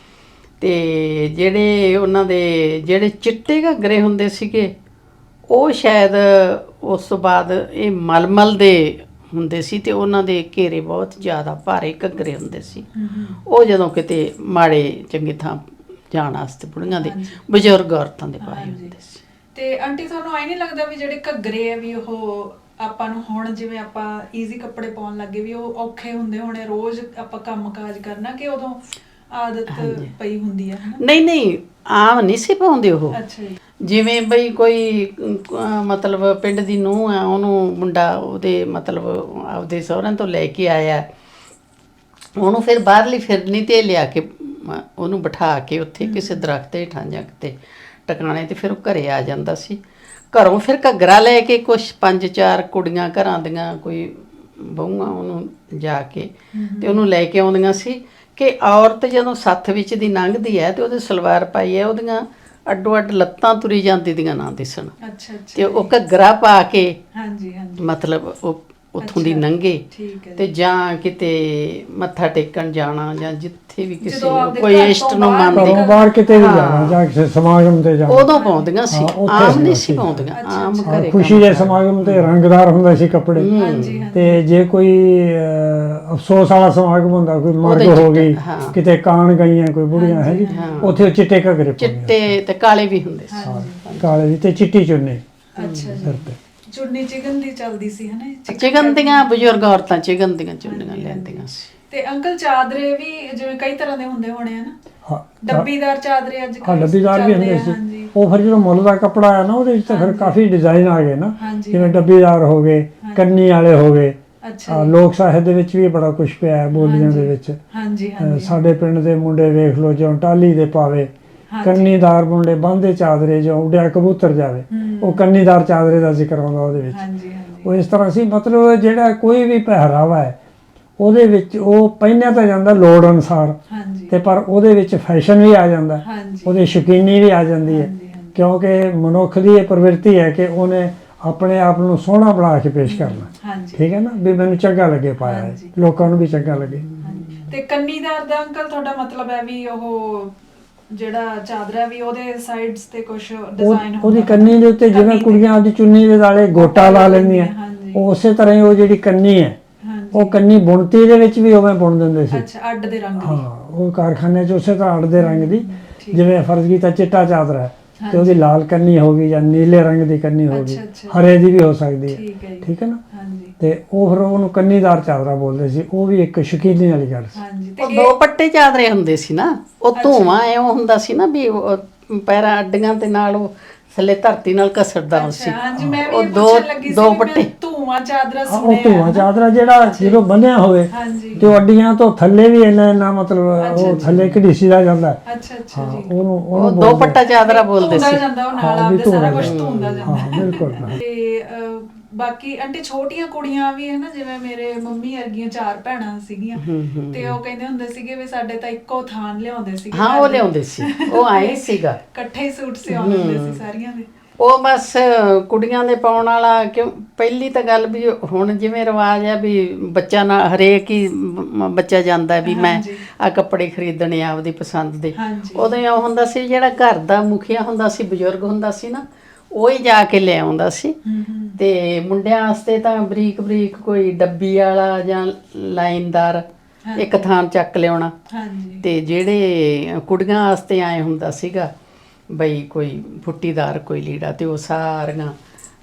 [SPEAKER 3] ਤੇ ਜਿਹੜੇ ਉਹਨਾਂ ਦੇ ਜਿਹੜੇ ਚਿੱਟੇ ਘੱਗਰੇ ਹੁੰਦੇ ਸੀਗੇ, ਉਹ ਸ਼ਾਇਦ ਉਸ ਤੋਂ ਬਾਅਦ ਇਹ ਮਲਮਲ ਦੇ ਹੁੰਦੇ ਸੀ, ਤੇ ਉਹਨਾਂ ਦੇ ਘੇਰੇ ਬਹੁਤ ਜ਼ਿਆਦਾ ਭਾਰੇ ਘੱਗਰੇ ਹੁੰਦੇ ਸੀ। ਉਹ ਜਦੋਂ ਕਿਤੇ ਮਾੜੇ ਚੰਗੀ ਥਾਂ ਜਾਣ ਵਾਸਤੇ ਬੁੜੀਆਂ ਦੇ, ਬਜ਼ੁਰਗ ਔਰਤਾਂ ਦੇ ਪਾਏ ਹੁੰਦੇ ਸੀ।
[SPEAKER 1] ਤੇ ਆਂਟੀ ਤੁਹਾਨੂੰ ਐ ਨਹੀਂ ਲੱਗਦਾ ਵੀ ਜਿਹੜੇ ਘੱਗਰੇ ਆ ਵੀ ਉਹ ਆਪਾਂ ਨੂੰ ਹੁਣ ਜਿਵੇਂ ਆਪਾਂ ਈਜ਼ੀ ਕੱਪੜੇ ਪਾਉਣ ਲੱਗੇ ਵੀ ਉਹ ਔਖੇ ਹੁੰਦੇ ਹੋਣੇ, ਰੋਜ਼ ਆਪਾਂ ਕੰਮ ਕਾਜ ਕਰਨਾ, ਕਿ ਉਦੋਂ ਆਦਤ ਪਈ ਹੁੰਦੀ ਆ?
[SPEAKER 3] ਨਹੀਂ ਨਹੀਂ, ਆਮ ਨਹੀਂ ਸੀ ਪਾਉਂਦੇ ਉਹ।
[SPEAKER 1] ਅੱਛਾ ਜੀ।
[SPEAKER 3] ਜਿਵੇਂ ਬਈ ਕੋਈ ਮਤਲਬ ਪਿੰਡ ਦੀ ਨੂੰਹ ਆ, ਉਹਨੂੰ ਮੁੰਡਾ ਉਹਦੇ ਮਤਲਬ ਆਪਦੇ ਸਹੁਰਿਆਂ ਤੋਂ ਲੈ ਕੇ ਆਇਆ, ਉਹਨੂੰ ਫਿਰ ਬਾਹਰਲੀ ਫਿਰਨੀ 'ਤੇ ਲਿਆ ਕੇ ਉਹਨੂੰ ਬਿਠਾ ਕੇ ਉੱਥੇ ਕਿਸੇ ਦਰਖਤ ਹੇਠਾਂ ਜਾਂ ਕਿਤੇ ਟਿਕਾਣੇ 'ਤੇ ਫਿਰ ਉਹ ਘਰੇ ਆ ਜਾਂਦਾ ਸੀ। ਘਰੋਂ ਫਿਰ ਘੱਗਰਾ ਲੈ ਕੇ ਕੁਛ 5-4 ਕੁੜੀਆਂ ਘਰਾਂ ਦੀਆਂ ਕੋਈ ਬਹੂਆਂ ਉਹਨੂੰ ਜਾ ਕੇ ਤੇ ਉਹਨੂੰ ਲੈ ਕੇ ਆਉਂਦੀਆਂ ਸੀ ਕਿ ਔਰਤ ਜਦੋਂ ਸੱਥ ਵਿੱਚ ਦੀ ਲੰਘਦੀ ਹੈ ਤੇ ਉਹਦੇ ਸਲਵਾਰ ਪਾਈ ਹੈ, ਉਹਦੀਆਂ ਅੱਡੋ ਅੱਡ ਲੱਤਾਂ ਤੁਰੀ ਜਾਂਦੀ ਦੀਆਂ ਨਾ ਦਿਸਣ। ਤੇ ਉਹ ਘੱਗਰਾ ਪਾ ਕੇ ਮਤਲਬ ਉਹ ਉੱਥੋਂ ਦੀ ਲੰਘੇ
[SPEAKER 1] ਠੀਕ ਹੈ
[SPEAKER 3] ਤੇ ਜਾਂ ਕਿਤੇ ਮੱਥਾ ਟੇਕਣ ਜਾਣਾ ਜਾਂ ਜਿੱਥੇ ਵੀ ਕਿਸੇ
[SPEAKER 1] ਜਦੋਂ ਆਪਦੇ
[SPEAKER 3] ਕੋਈ
[SPEAKER 1] ਘਰ ਤੋਂ
[SPEAKER 3] ਇਸ਼ਟ ਨੂੰ
[SPEAKER 1] ਬਾਹਰ
[SPEAKER 3] ਮੰਨਦੇ
[SPEAKER 2] ਘਰੋਂ ਬਾਹਰ ਕਿਤੇ ਵੀ
[SPEAKER 3] ਹਾਂ।
[SPEAKER 2] ਜਾਣਾ ਜਾਂ ਕਿਸੇ ਸਮਾਗਮ ਤੇ ਜਾਣਾ,
[SPEAKER 3] ਉਦੋਂ ਪਾਉਂਦੀਆਂ ਸੀ,
[SPEAKER 2] ਹਾਂ, ਉੱਥੇ
[SPEAKER 3] ਆਮ ਨਹੀਂ
[SPEAKER 2] ਹੁੰਦਾ
[SPEAKER 3] ਸੀ
[SPEAKER 2] ਸੀ।
[SPEAKER 3] ਪਾਉਂਦੀਆਂ, ਆਮ
[SPEAKER 1] ਅੱਛਾ,
[SPEAKER 3] ਘਰੇ
[SPEAKER 2] ਖੁਸ਼ੀ
[SPEAKER 3] ਕੰਮ
[SPEAKER 2] ਦੇ
[SPEAKER 3] ਕਰ-
[SPEAKER 2] ਸਮਾਗਮ ਤੇ ਰੰਗਦਾਰ ਹੁੰਦੇ ਸੀ ਕੱਪੜੇ।
[SPEAKER 1] ਹਾਂਜੀ ਹਾਂਜੀ
[SPEAKER 2] ਤੇ ਜੇ ਕੋਈ ਅਫਸੋਸ ਵਾਲਾ ਸਮਾਗਮ ਹੁੰਦਾ, ਕੋਈ ਮਰਗ
[SPEAKER 3] ਉਹਦੇ
[SPEAKER 2] ਹੋ ਗਈ,
[SPEAKER 3] ਹਾਂ।
[SPEAKER 2] ਕਿਤੇ ਕਾਣ ਗਈਆਂ ਕੋਈ ਬੁੜੀਆਂ ਹੈ ਜੀ,
[SPEAKER 3] ਹਾਂ।
[SPEAKER 2] ਉੱਥੇ ਉਹ ਚਿੱਟੇ ਘੱਗਰੇ ਪਾਉਂਦੀਆਂ
[SPEAKER 3] ਚਿੱਟੇ ਤੇ ਕਾਲੇ ਵੀ ਹੁੰਦੇ ਸੀ।
[SPEAKER 1] ਹਾਂਜੀ
[SPEAKER 2] ਕਾਲੇ ਵੀ ਤੇ ਚਿੱਟੀ ਚੁੰਨੀ
[SPEAKER 1] ਅੱਛਾ
[SPEAKER 2] ਸਿਰ
[SPEAKER 1] ਜੀ
[SPEAKER 2] ਤੇ।
[SPEAKER 1] ਚੁੰਨੀ ਚਿਕਨ ਦੀ ਚੱਲਦੀ ਸੀ ਹਨਾ
[SPEAKER 3] ਚਿਕਨ ਦੀਆਂ ਬਜ਼ੁਰਗ ਔਰਤਾਂ ਚਿਕਨ ਦੀਆਂ ਚੁੰਨੀਆਂ ਲੈਂਦੀਆਂ ਸੀ।
[SPEAKER 1] ਤੇ ਅੰਕਲ ਚਾਦਰੇ ਵੀ ਜਿਵੇਂ ਕਈ ਤਰ੍ਹਾਂ ਦੇ ਹੁੰਦੇ ਹੋਣੇ ਆ ਨਾ,
[SPEAKER 2] ਹਾਂ
[SPEAKER 1] ਡੱਬੀਦਾਰ ਚਾਦਰੇ ਅੱਜ
[SPEAKER 2] ਹਾਂ
[SPEAKER 1] ਕੱਲ੍ਹ
[SPEAKER 2] ਡੱਬੀਦਾਰ ਵੀ
[SPEAKER 1] ਚੱਲਦੇ
[SPEAKER 2] ਹੁੰਦੇ
[SPEAKER 1] ਆ,
[SPEAKER 2] ਸੀ।
[SPEAKER 1] ਹਾਂਜੀ
[SPEAKER 2] ਉਹ ਫਿਰ ਜਦੋਂ ਮੁੱਲ ਦਾ ਕੱਪੜਾ ਆਇਆ ਨਾ, ਉਹਦੇ ਵਿੱਚ ਤਾਂ ਫਿਰ ਕਾਫੀ ਡਿਜ਼ਾਈਨ ਆ ਗਏ ਨਾ,
[SPEAKER 1] ਹਾਂਜੀ,
[SPEAKER 2] ਜਿਵੇਂ
[SPEAKER 1] ਹਾਂਜੀ।
[SPEAKER 2] ਡੱਬੀਦਾਰ ਹੋ ਗਏ, ਕੰਨੀ ਵਾਲੇ ਹੋ ਗਏ।
[SPEAKER 1] ਅੱਛਾ ਜੀ।
[SPEAKER 2] ਲੋਕ ਸਾਹਿਤ ਦੇ ਵਿੱਚ ਵੀ ਬੜਾ ਕੁਝ ਪਿਆ ਹੈ, ਬੋਲੀਆਂ ਦੇ
[SPEAKER 1] ਹਾਂਜੀ,
[SPEAKER 2] ਵਿੱਚ।
[SPEAKER 1] ਹਾਂਜੀ ਹਾਂਜੀ
[SPEAKER 2] ਸਾਡੇ ਪਿੰਡ ਦੇ ਮੁੰਡੇ ਵੇਖ ਲਓ, ਜਿਉਂ ਟਾਹਲੀ ਦੇ ਪਾਵੇ,
[SPEAKER 1] ਹਾਂਜੀ।
[SPEAKER 2] ਕੰਨੀਦਾਰ ਮੁੰਡੇ ਬਾਂਦੇ ਚਾਦਰੇ, ਜਿਉਂ ਉੱਡਿਆ ਕਬੂਤਰ ਜਾਵੇ, ਉਹ ਕੰਨੀਦਾਰ ਚਾਦਰੇ ਦਾ ਜ਼ਿਕਰ ਆਉਂਦਾ ਉਹਦੇ ਵਿੱਚ।
[SPEAKER 1] ਹਾਂਜੀ ਹਾਂਜੀ
[SPEAKER 2] ਉਹ ਇਸ ਤਰ੍ਹਾਂ ਸੀ, ਮਤਲਬ ਜਿਹੜਾ ਕੋਈ ਵੀ ਪਹਿਰਾਵਾ ਹੈ ਉਹਦੇ ਵਿੱਚ ਉਹ ਪਹਿਨਿਆ ਤਾਂ ਜਾਂਦਾ ਲੋੜ ਅਨੁਸਾਰ,
[SPEAKER 1] ਹਾਂਜੀ
[SPEAKER 2] ਤੇ ਪਰ ਉਹਦੇ ਵਿੱਚ ਫੈਸ਼ਨ ਵੀ ਆ ਜਾਂਦਾ,
[SPEAKER 1] ਹਾਂਜੀ
[SPEAKER 2] ਉਹਦੀ ਸ਼ੌਕੀਨੀ ਵੀ ਆ ਜਾਂਦੀ ਹੈ,
[SPEAKER 1] ਹਾਂਜੀ, ਹਾਂਜੀ।
[SPEAKER 2] ਕਿਉਂਕਿ ਮਨੁੱਖ ਦੀ ਇਹ ਪ੍ਰਵਿਰਤੀ ਹੈ ਕਿ ਉਹਨੇ ਆਪਣੇ ਆਪ ਨੂੰ ਸੋਹਣਾ ਬਣਾ ਕੇ ਪੇਸ਼ ਕਰਨਾ।
[SPEAKER 1] ਹਾਂਜੀ
[SPEAKER 2] ਠੀਕ ਹੈ ਨਾ, ਵੀ ਮੈਨੂੰ ਚੰਗਾ ਲੱਗੇ ਪਾਇਆ ਹੈ,
[SPEAKER 1] ਹਾਂਜੀ।
[SPEAKER 2] ਲੋਕਾਂ ਨੂੰ ਵੀ ਚੰਗਾ ਲੱਗੇ।
[SPEAKER 1] ਹਾਂਜੀ। ਤੇ ਕੰਨੀਦਾਰ ਦਾ ਅੰਕਲ ਤੁਹਾਡਾ ਮਤਲਬ ਹੈ ਵੀ ਉਹ ਜਿਹੜਾ ਚਾਦਰਾ ਵੀ ਉਹਦੇ ਸਾਈਡਸ ਤੇ ਕੁਝ ਡਿਜ਼ਾਈਨ ਹੁੰਦਾ
[SPEAKER 2] ਉਹਦੀ ਕੰਨੀ ਦੇ ਉੱਤੇ ਜਿਵੇਂ ਕੁੜੀਆਂ ਆਪਦੀ ਚੁੰਨੀ ਦੇ ਨਾਲੇ ਗੋਟਾ ਲਾ ਲੈਂਦੀਆਂ,
[SPEAKER 1] ਹਾਂਜੀ
[SPEAKER 2] ਉਹ ਉਸੇ ਤਰ੍ਹਾਂ ਹੀ ਉਹ ਜਿਹੜੀ ਕੰਨੀ ਹੈ,
[SPEAKER 1] ਹਾਂਜੀ
[SPEAKER 2] ਉਹ ਕੰਨੀ ਬੁਣਤੀ ਦੇ ਵਿੱਚ ਵੀ ਉਵੇਂ ਬੁਣ ਦਿੰਦੇ ਸੀ।
[SPEAKER 1] ਅੱਛਾ ਅੱਡ ਦੇ ਰੰਗ ਦੀ
[SPEAKER 2] ਹਾਂ, ਉਹ ਕਾਰਖਾਨੇ 'ਚ ਉਸੇ ਤਰ੍ਹਾਂ ਅੱਡ ਦੇ ਰੰਗ ਦੀ,
[SPEAKER 1] ਠੀਕ।
[SPEAKER 2] ਜਿਵੇਂ ਫਰਜ਼ ਕੀਤਾ ਚਿੱਟਾ ਚਾਦਰਾ ਹੈ ਤੇ
[SPEAKER 1] ਹਾਂਜੀ।
[SPEAKER 2] ਉਹਦੀ ਲਾਲ ਕੰਨੀ ਹੋ ਗਈ ਜਾਂ ਨੀਲੇ ਰੰਗ ਦੀ ਕੰਨੀ ਹੋ ਗਈ,
[SPEAKER 1] ਅੱਛਾ, ਅੱਛਾ।
[SPEAKER 2] ਹਰੇ ਦੀ ਵੀ ਹੋ ਸਕਦੀ ਹੈ।
[SPEAKER 1] ਠੀਕ ਹੈ ਜੀ।
[SPEAKER 2] ਠੀਕ ਹੈ ਨਾ,
[SPEAKER 1] ਹਾਂਜੀ
[SPEAKER 2] ਤੇ ਉਹ ਫਿਰ ਉਹਨੂੰ ਕੰਨੀਦਾਰ ਚਾਦਰਾ ਬੋਲਦੇ ਸੀ। ਉਹ ਵੀ ਇੱਕ ਸ਼ੌਕੀਨੀ ਵਾਲੀ ਗੱਲ ਸੀ।
[SPEAKER 1] ਹਾਂਜੀ ਤੇ
[SPEAKER 3] ਉਹ ਦੋ ਪੱਟੇ ਚਾਦਰੇ ਹੁੰਦੇ ਸੀ ਨਾ, ਉਹ
[SPEAKER 1] ਅੱਛਾ।
[SPEAKER 3] ਧੂਆਂ ਐਵੇਂ ਹੁੰਦਾ ਸੀ ਨਾ ਵੀ ਉਹ ਪੈਰਾਂ ਅੱਡੀਆਂ ਤੇ ਨਾਲ ਉਹ ਥੱਲੇ ਧਰਤੀ ਨਾਲ ਘਸੜਦਾ
[SPEAKER 1] ਅੱਛਾ
[SPEAKER 3] ਸੀ।
[SPEAKER 1] ਹਾਂਜੀ ਮੈਂ ਵੀ
[SPEAKER 3] ਉਹ
[SPEAKER 1] ਇਹ
[SPEAKER 3] ਦੋ
[SPEAKER 1] ਪੁੱਛਣ ਲੱਗੀ ਸੀ
[SPEAKER 3] ਦੋ
[SPEAKER 1] ਵੀ
[SPEAKER 3] ਪੱਟੇ
[SPEAKER 1] ਮੈਂ ਧੂਆਂ ਚਾਦਰਾ
[SPEAKER 2] ਹਾਂ, ਉਹ
[SPEAKER 1] ਸੁਣਿਆ
[SPEAKER 2] ਧੂਆਂ
[SPEAKER 1] ਹੈ ਨਾ।
[SPEAKER 2] ਚਾਦਰਾ ਜਿਹੜਾ
[SPEAKER 1] ਅੱਛਾ
[SPEAKER 2] ਜਦੋਂ ਬੰਨਿਆ ਹੋਵੇ
[SPEAKER 1] ਹਾਂਜੀ
[SPEAKER 2] ਤੇ ਉਹ ਅੱਡੀਆਂ ਤੋਂ ਥੱਲੇ ਵੀ ਇੰਨਾ ਮਤਲਬ
[SPEAKER 1] ਅੱਛਾ,
[SPEAKER 2] ਉਹ
[SPEAKER 1] ਅੱਛਾ।
[SPEAKER 2] ਥੱਲੇ ਘੜੀਸੀਦਾ ਜਾਂਦਾ ਹੈ।
[SPEAKER 1] ਅੱਛਾ ਅੱਛਾ
[SPEAKER 2] ਹਾਂ,
[SPEAKER 1] ਜੀ
[SPEAKER 2] ਉਹਨੂੰ
[SPEAKER 3] ਉਹ ਦੋ
[SPEAKER 2] ਬੋਲਦੇ
[SPEAKER 3] ਪੱਟਾ ਚਾਦਰਾ ਬੋਲਦੇ
[SPEAKER 1] ਧੂੰਦਾ
[SPEAKER 3] ਸੀ।
[SPEAKER 1] ਜਾਂਦਾ ਉਹ ਨਾਲ
[SPEAKER 2] ਹਾਂ, ਵੀ
[SPEAKER 1] ਆਪਦੇ ਸਾਰਾ
[SPEAKER 2] ਧੂੰਦਾ
[SPEAKER 1] ਕੁਝ
[SPEAKER 2] ਜਾਂਦਾ।
[SPEAKER 1] ਧੂੰਦਾ ਜਾਂਦਾ
[SPEAKER 2] ਹਾਂ, ਬਿਲਕੁਲ।
[SPEAKER 1] ਤੇ ਬਾਕੀ ਆਂਟੀ ਛੋਟੀਆਂ ਕੁੜੀਆਂ ਵੀ ਹੈ ਨਾ, ਜਿਵੇਂ ਮੇਰੇ ਮੰਮੀ ਵਰਗੀਆਂ 4 ਭੈਣਾਂ ਸੀਗੀਆਂ ਤੇ ਉਹ ਕਹਿੰਦੇ ਹੁੰਦੇ ਸੀਗੇ ਵੀ ਸਾਡੇ ਤਾਂ ਇੱਕੋ ਥਾਨ ਲਿਆਉਂਦੇ ਸੀਗੇ
[SPEAKER 3] ਹਾਂ,
[SPEAKER 1] ਘਰ
[SPEAKER 3] ਉਹ
[SPEAKER 1] ਦੇ।
[SPEAKER 3] ਲਿਆਉਂਦੇ ਸੀ, ਉਹ ਆਏ
[SPEAKER 1] ਤੇ
[SPEAKER 3] ਸੀਗਾ।
[SPEAKER 1] ਇਕੱਠੇ ਹੀ ਸੂਟ ਸਿਆਉਂਦੇ ਹੁੰਦੇ ਸੀ ਸਾਰੀਆਂ ਦੇ।
[SPEAKER 3] ਉਹ ਬਸ ਕੁੜੀਆਂ ਦੇ ਪਾਉਣ ਵਾਲਾ, ਕਿਉਂ ਪਹਿਲੀ ਤਾਂ ਗੱਲ ਵੀ ਹੁਣ ਜਿਵੇਂ ਰਿਵਾਜ ਆ ਵੀ ਬੱਚਾ ਨਾ ਹਰੇਕ ਹੀ ਬੱਚਾ ਜਾਂਦਾ ਵੀ ਮੈਂ
[SPEAKER 1] ਹਾਂਜੀ।
[SPEAKER 3] ਆ ਕੱਪੜੇ ਖਰੀਦਣੇ ਆ ਆਪਦੀ ਪਸੰਦ ਦੇ।
[SPEAKER 1] ਹਾਂਜੀ
[SPEAKER 3] ਉਦੋਂ ਇਹ ਹੁੰਦਾ ਸੀ ਜਿਹੜਾ ਘਰ ਦਾ ਮੁਖੀਆ ਹੁੰਦਾ ਸੀ, ਬਜ਼ੁਰਗ ਹੁੰਦਾ ਸੀ ਨਾ, ਉਹ ਹੀ ਜਾ ਕੇ ਲੈ ਆਉਂਦਾ ਸੀ।
[SPEAKER 1] ਹੂੰ
[SPEAKER 3] ਤੇ ਮੁੰਡਿਆਂ ਵਾਸਤੇ ਤਾਂ ਬਰੀਕ ਬਰੀਕ ਕੋਈ ਡੱਬੀ ਵਾਲਾ ਜਾਂ ਲਾਈਨਦਾਰ ਇੱਕ ਥਾਂ ਚੱਕ ਲਿਆਉਣਾ।
[SPEAKER 1] ਹਾਂਜੀ
[SPEAKER 3] ਤੇ ਜਿਹੜੇ ਕੁੜੀਆਂ ਵਾਸਤੇ ਆਏ ਹੁੰਦਾ ਸੀਗਾ ਬਈ ਕੋਈ ਫੁੱਟੀਦਾਰ ਕੋਈ ਲੀੜਾ, ਤੇ ਉਹ ਸਾਰੀਆਂ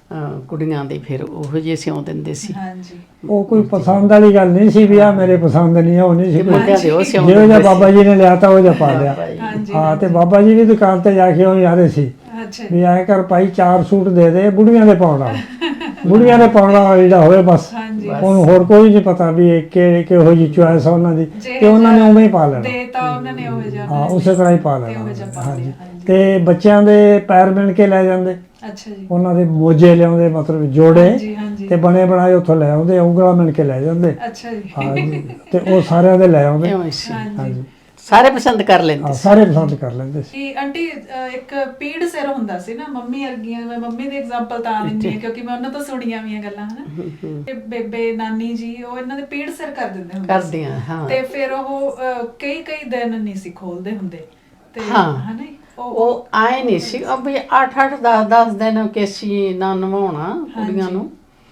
[SPEAKER 3] ਕੁੜੀਆਂ ਦੇ ਫਿਰ ਉਹੋ ਜਿਹੇ ਸਿਉਂ ਦਿੰਦੇ ਸੀ।
[SPEAKER 1] ਹਾਂਜੀ
[SPEAKER 2] ਉਹ ਕੋਈ ਪਸੰਦ ਵਾਲੀ ਗੱਲ ਨਹੀਂ ਸੀ ਵੀ ਆ ਮੇਰੇ ਪਸੰਦ ਨਹੀਂ ਆ, ਉਹ ਨਹੀਂ ਸੀ।
[SPEAKER 3] ਤੇ ਮੁੰਡਿਆਂ ਦੇ ਉਹ ਸਿਉਂ
[SPEAKER 2] ਜਿਹੋ ਜਿਹਾ
[SPEAKER 3] ਦਿੰਦੇ
[SPEAKER 2] ਬਾਬਾ
[SPEAKER 3] ਸੀ।
[SPEAKER 2] ਜੀ ਨੇ ਲਿਆ ਤਾਂ ਉਹ ਜਿਹਾ ਪਾ ਲਿਆ।
[SPEAKER 1] ਹਾਂਜੀ
[SPEAKER 2] ਹਾਂ, ਤੇ ਬਾਬਾ ਜੀ ਦੀ ਦੁਕਾਨ ਤੇ ਜਾ ਕੇ ਉਹ ਯਾਰੇ ਸੀ
[SPEAKER 1] ਅੱਛਾ
[SPEAKER 2] ਵੀ ਐਂ ਕਰ ਭਾਈ 4 ਸੂਟ ਦੇ ਦੇ ਬੁੜੀਆਂ ਦੇ ਪਾਉਣ ਵਾਲਾ, ਬੁੜੀਆਂ ਦੇ ਪਾਉਣ ਵਾਲਾ ਜਿਹੜਾ ਹੋਵੇ ਬਸ।
[SPEAKER 1] ਹਾਂਜੀ
[SPEAKER 2] ਉਹਨੂੰ ਹੋਰ ਕੋਈ ਨਹੀਂ ਪਤਾ ਵੀ ਇਹ ਕਿਹੋ ਜਿਹੀ ਚੁਆਇਸ ਆ ਉਹਨਾਂ ਦੀ, ਤੇ ਉਹਨਾਂ ਨੇ ਉਵੇਂ ਹੀ ਪਾ ਲੈਣਾ।
[SPEAKER 1] ਦੇਤਾ ਉਹਨਾਂ ਨੇ ਉਹ ਜਿਹਾ
[SPEAKER 2] ਹਾਂ, ਉਸੇ ਤਰ੍ਹਾਂ ਹੀ ਪਾ
[SPEAKER 1] ਤੇ ਉਹ ਜਿਹਾ
[SPEAKER 2] ਲੈਣਾ।
[SPEAKER 1] ਪਾ
[SPEAKER 2] ਹਾਂਜੀ,
[SPEAKER 1] ਲਿਆ। ਹਾਂਜੀ
[SPEAKER 2] ਤੇ ਬੱਚਿਆਂ ਦੇ ਪੈਰ ਬਿਣ ਕੇ ਲੈ ਜਾਂਦੇ,
[SPEAKER 1] ਅੱਛਾ ਜੀ
[SPEAKER 2] ਉਹਨਾਂ ਦੇ ਮੋਜੇ ਲਿਆਉਂਦੇ, ਮਤਲਬ ਜੋੜੇ
[SPEAKER 1] ਹਾਂਜੀ ਹਾਂਜੀ
[SPEAKER 2] ਤੇ ਬਣੇ ਬਣਾਏ ਉੱਥੋਂ ਲੈ ਆਉਂਦੇ, ਉਂਗਲਾਂ ਮਿਣ ਕੇ ਲੈ ਜਾਂਦੇ।
[SPEAKER 1] ਅੱਛਾ ਜੀ
[SPEAKER 2] ਹਾਂਜੀ, ਤੇ ਉਹ ਸਾਰਿਆਂ ਦੇ ਲੈ ਆਉਂਦੇ।
[SPEAKER 3] ਇਉਂ ਹੀ ਸੀ।
[SPEAKER 1] ਹਾਂਜੀ
[SPEAKER 3] ਸਾਰੇ ਪਸੰਦ ਕਰ ਲੈਂਦੇ
[SPEAKER 2] ਹਾਂ,
[SPEAKER 3] ਸੀ।
[SPEAKER 2] ਸਾਰੇ ਪਸੰਦ ਕਰ ਲੈਂਦੇ ਸੀ।
[SPEAKER 1] ਕਿ ਆਂਟੀ ਇੱਕ ਪੀੜ ਸਿਰ ਹੁੰਦਾ ਸੀ ਨਾ, ਮੰਮੀ ਵਰਗੀਆਂ, ਮੈਂ ਮੰਮੀ ਦੀ ਐਗਜ਼ਾਮਪਲ ਤਾਂ ਦਿੰਦੀ ਹਾਂ ਕਿਉਂਕਿ ਮੈਂ ਉਹਨਾਂ ਤੋਂ ਸੁਣੀਆਂ ਵੀਆਂ ਗੱਲਾਂ ਹਨਾ। ਤੇ ਬੇਬੇ ਨਾਨੀ ਜੀ ਉਹ ਇਹਨਾਂ ਦੇ ਪੀੜ ਸਿਰ ਕਰ ਦਿੰਦੇ ਹੁੰਦੇ ਸੀ।
[SPEAKER 3] ਕਰਦੀਆਂ, ਹਾਂ।
[SPEAKER 1] ਤੇ ਫਿਰ ਉਹ ਕਈ ਕਈ ਦਿਨ ਨਹੀਂ ਸੀ ਖੋਲਦੇ ਹੁੰਦੇ ਤੇ
[SPEAKER 3] ਹਾਂ।
[SPEAKER 1] ਹਨਾ
[SPEAKER 3] ਉਹ ਆਏ ਨਹੀਂ ਸੀ ਵੀ 8-8 10-10 ਦਿਨ ਕੇਸੀ ਨਾ ਨਵਾਉਣਾ ਕੁੜੀਆਂ ਨੂੰ।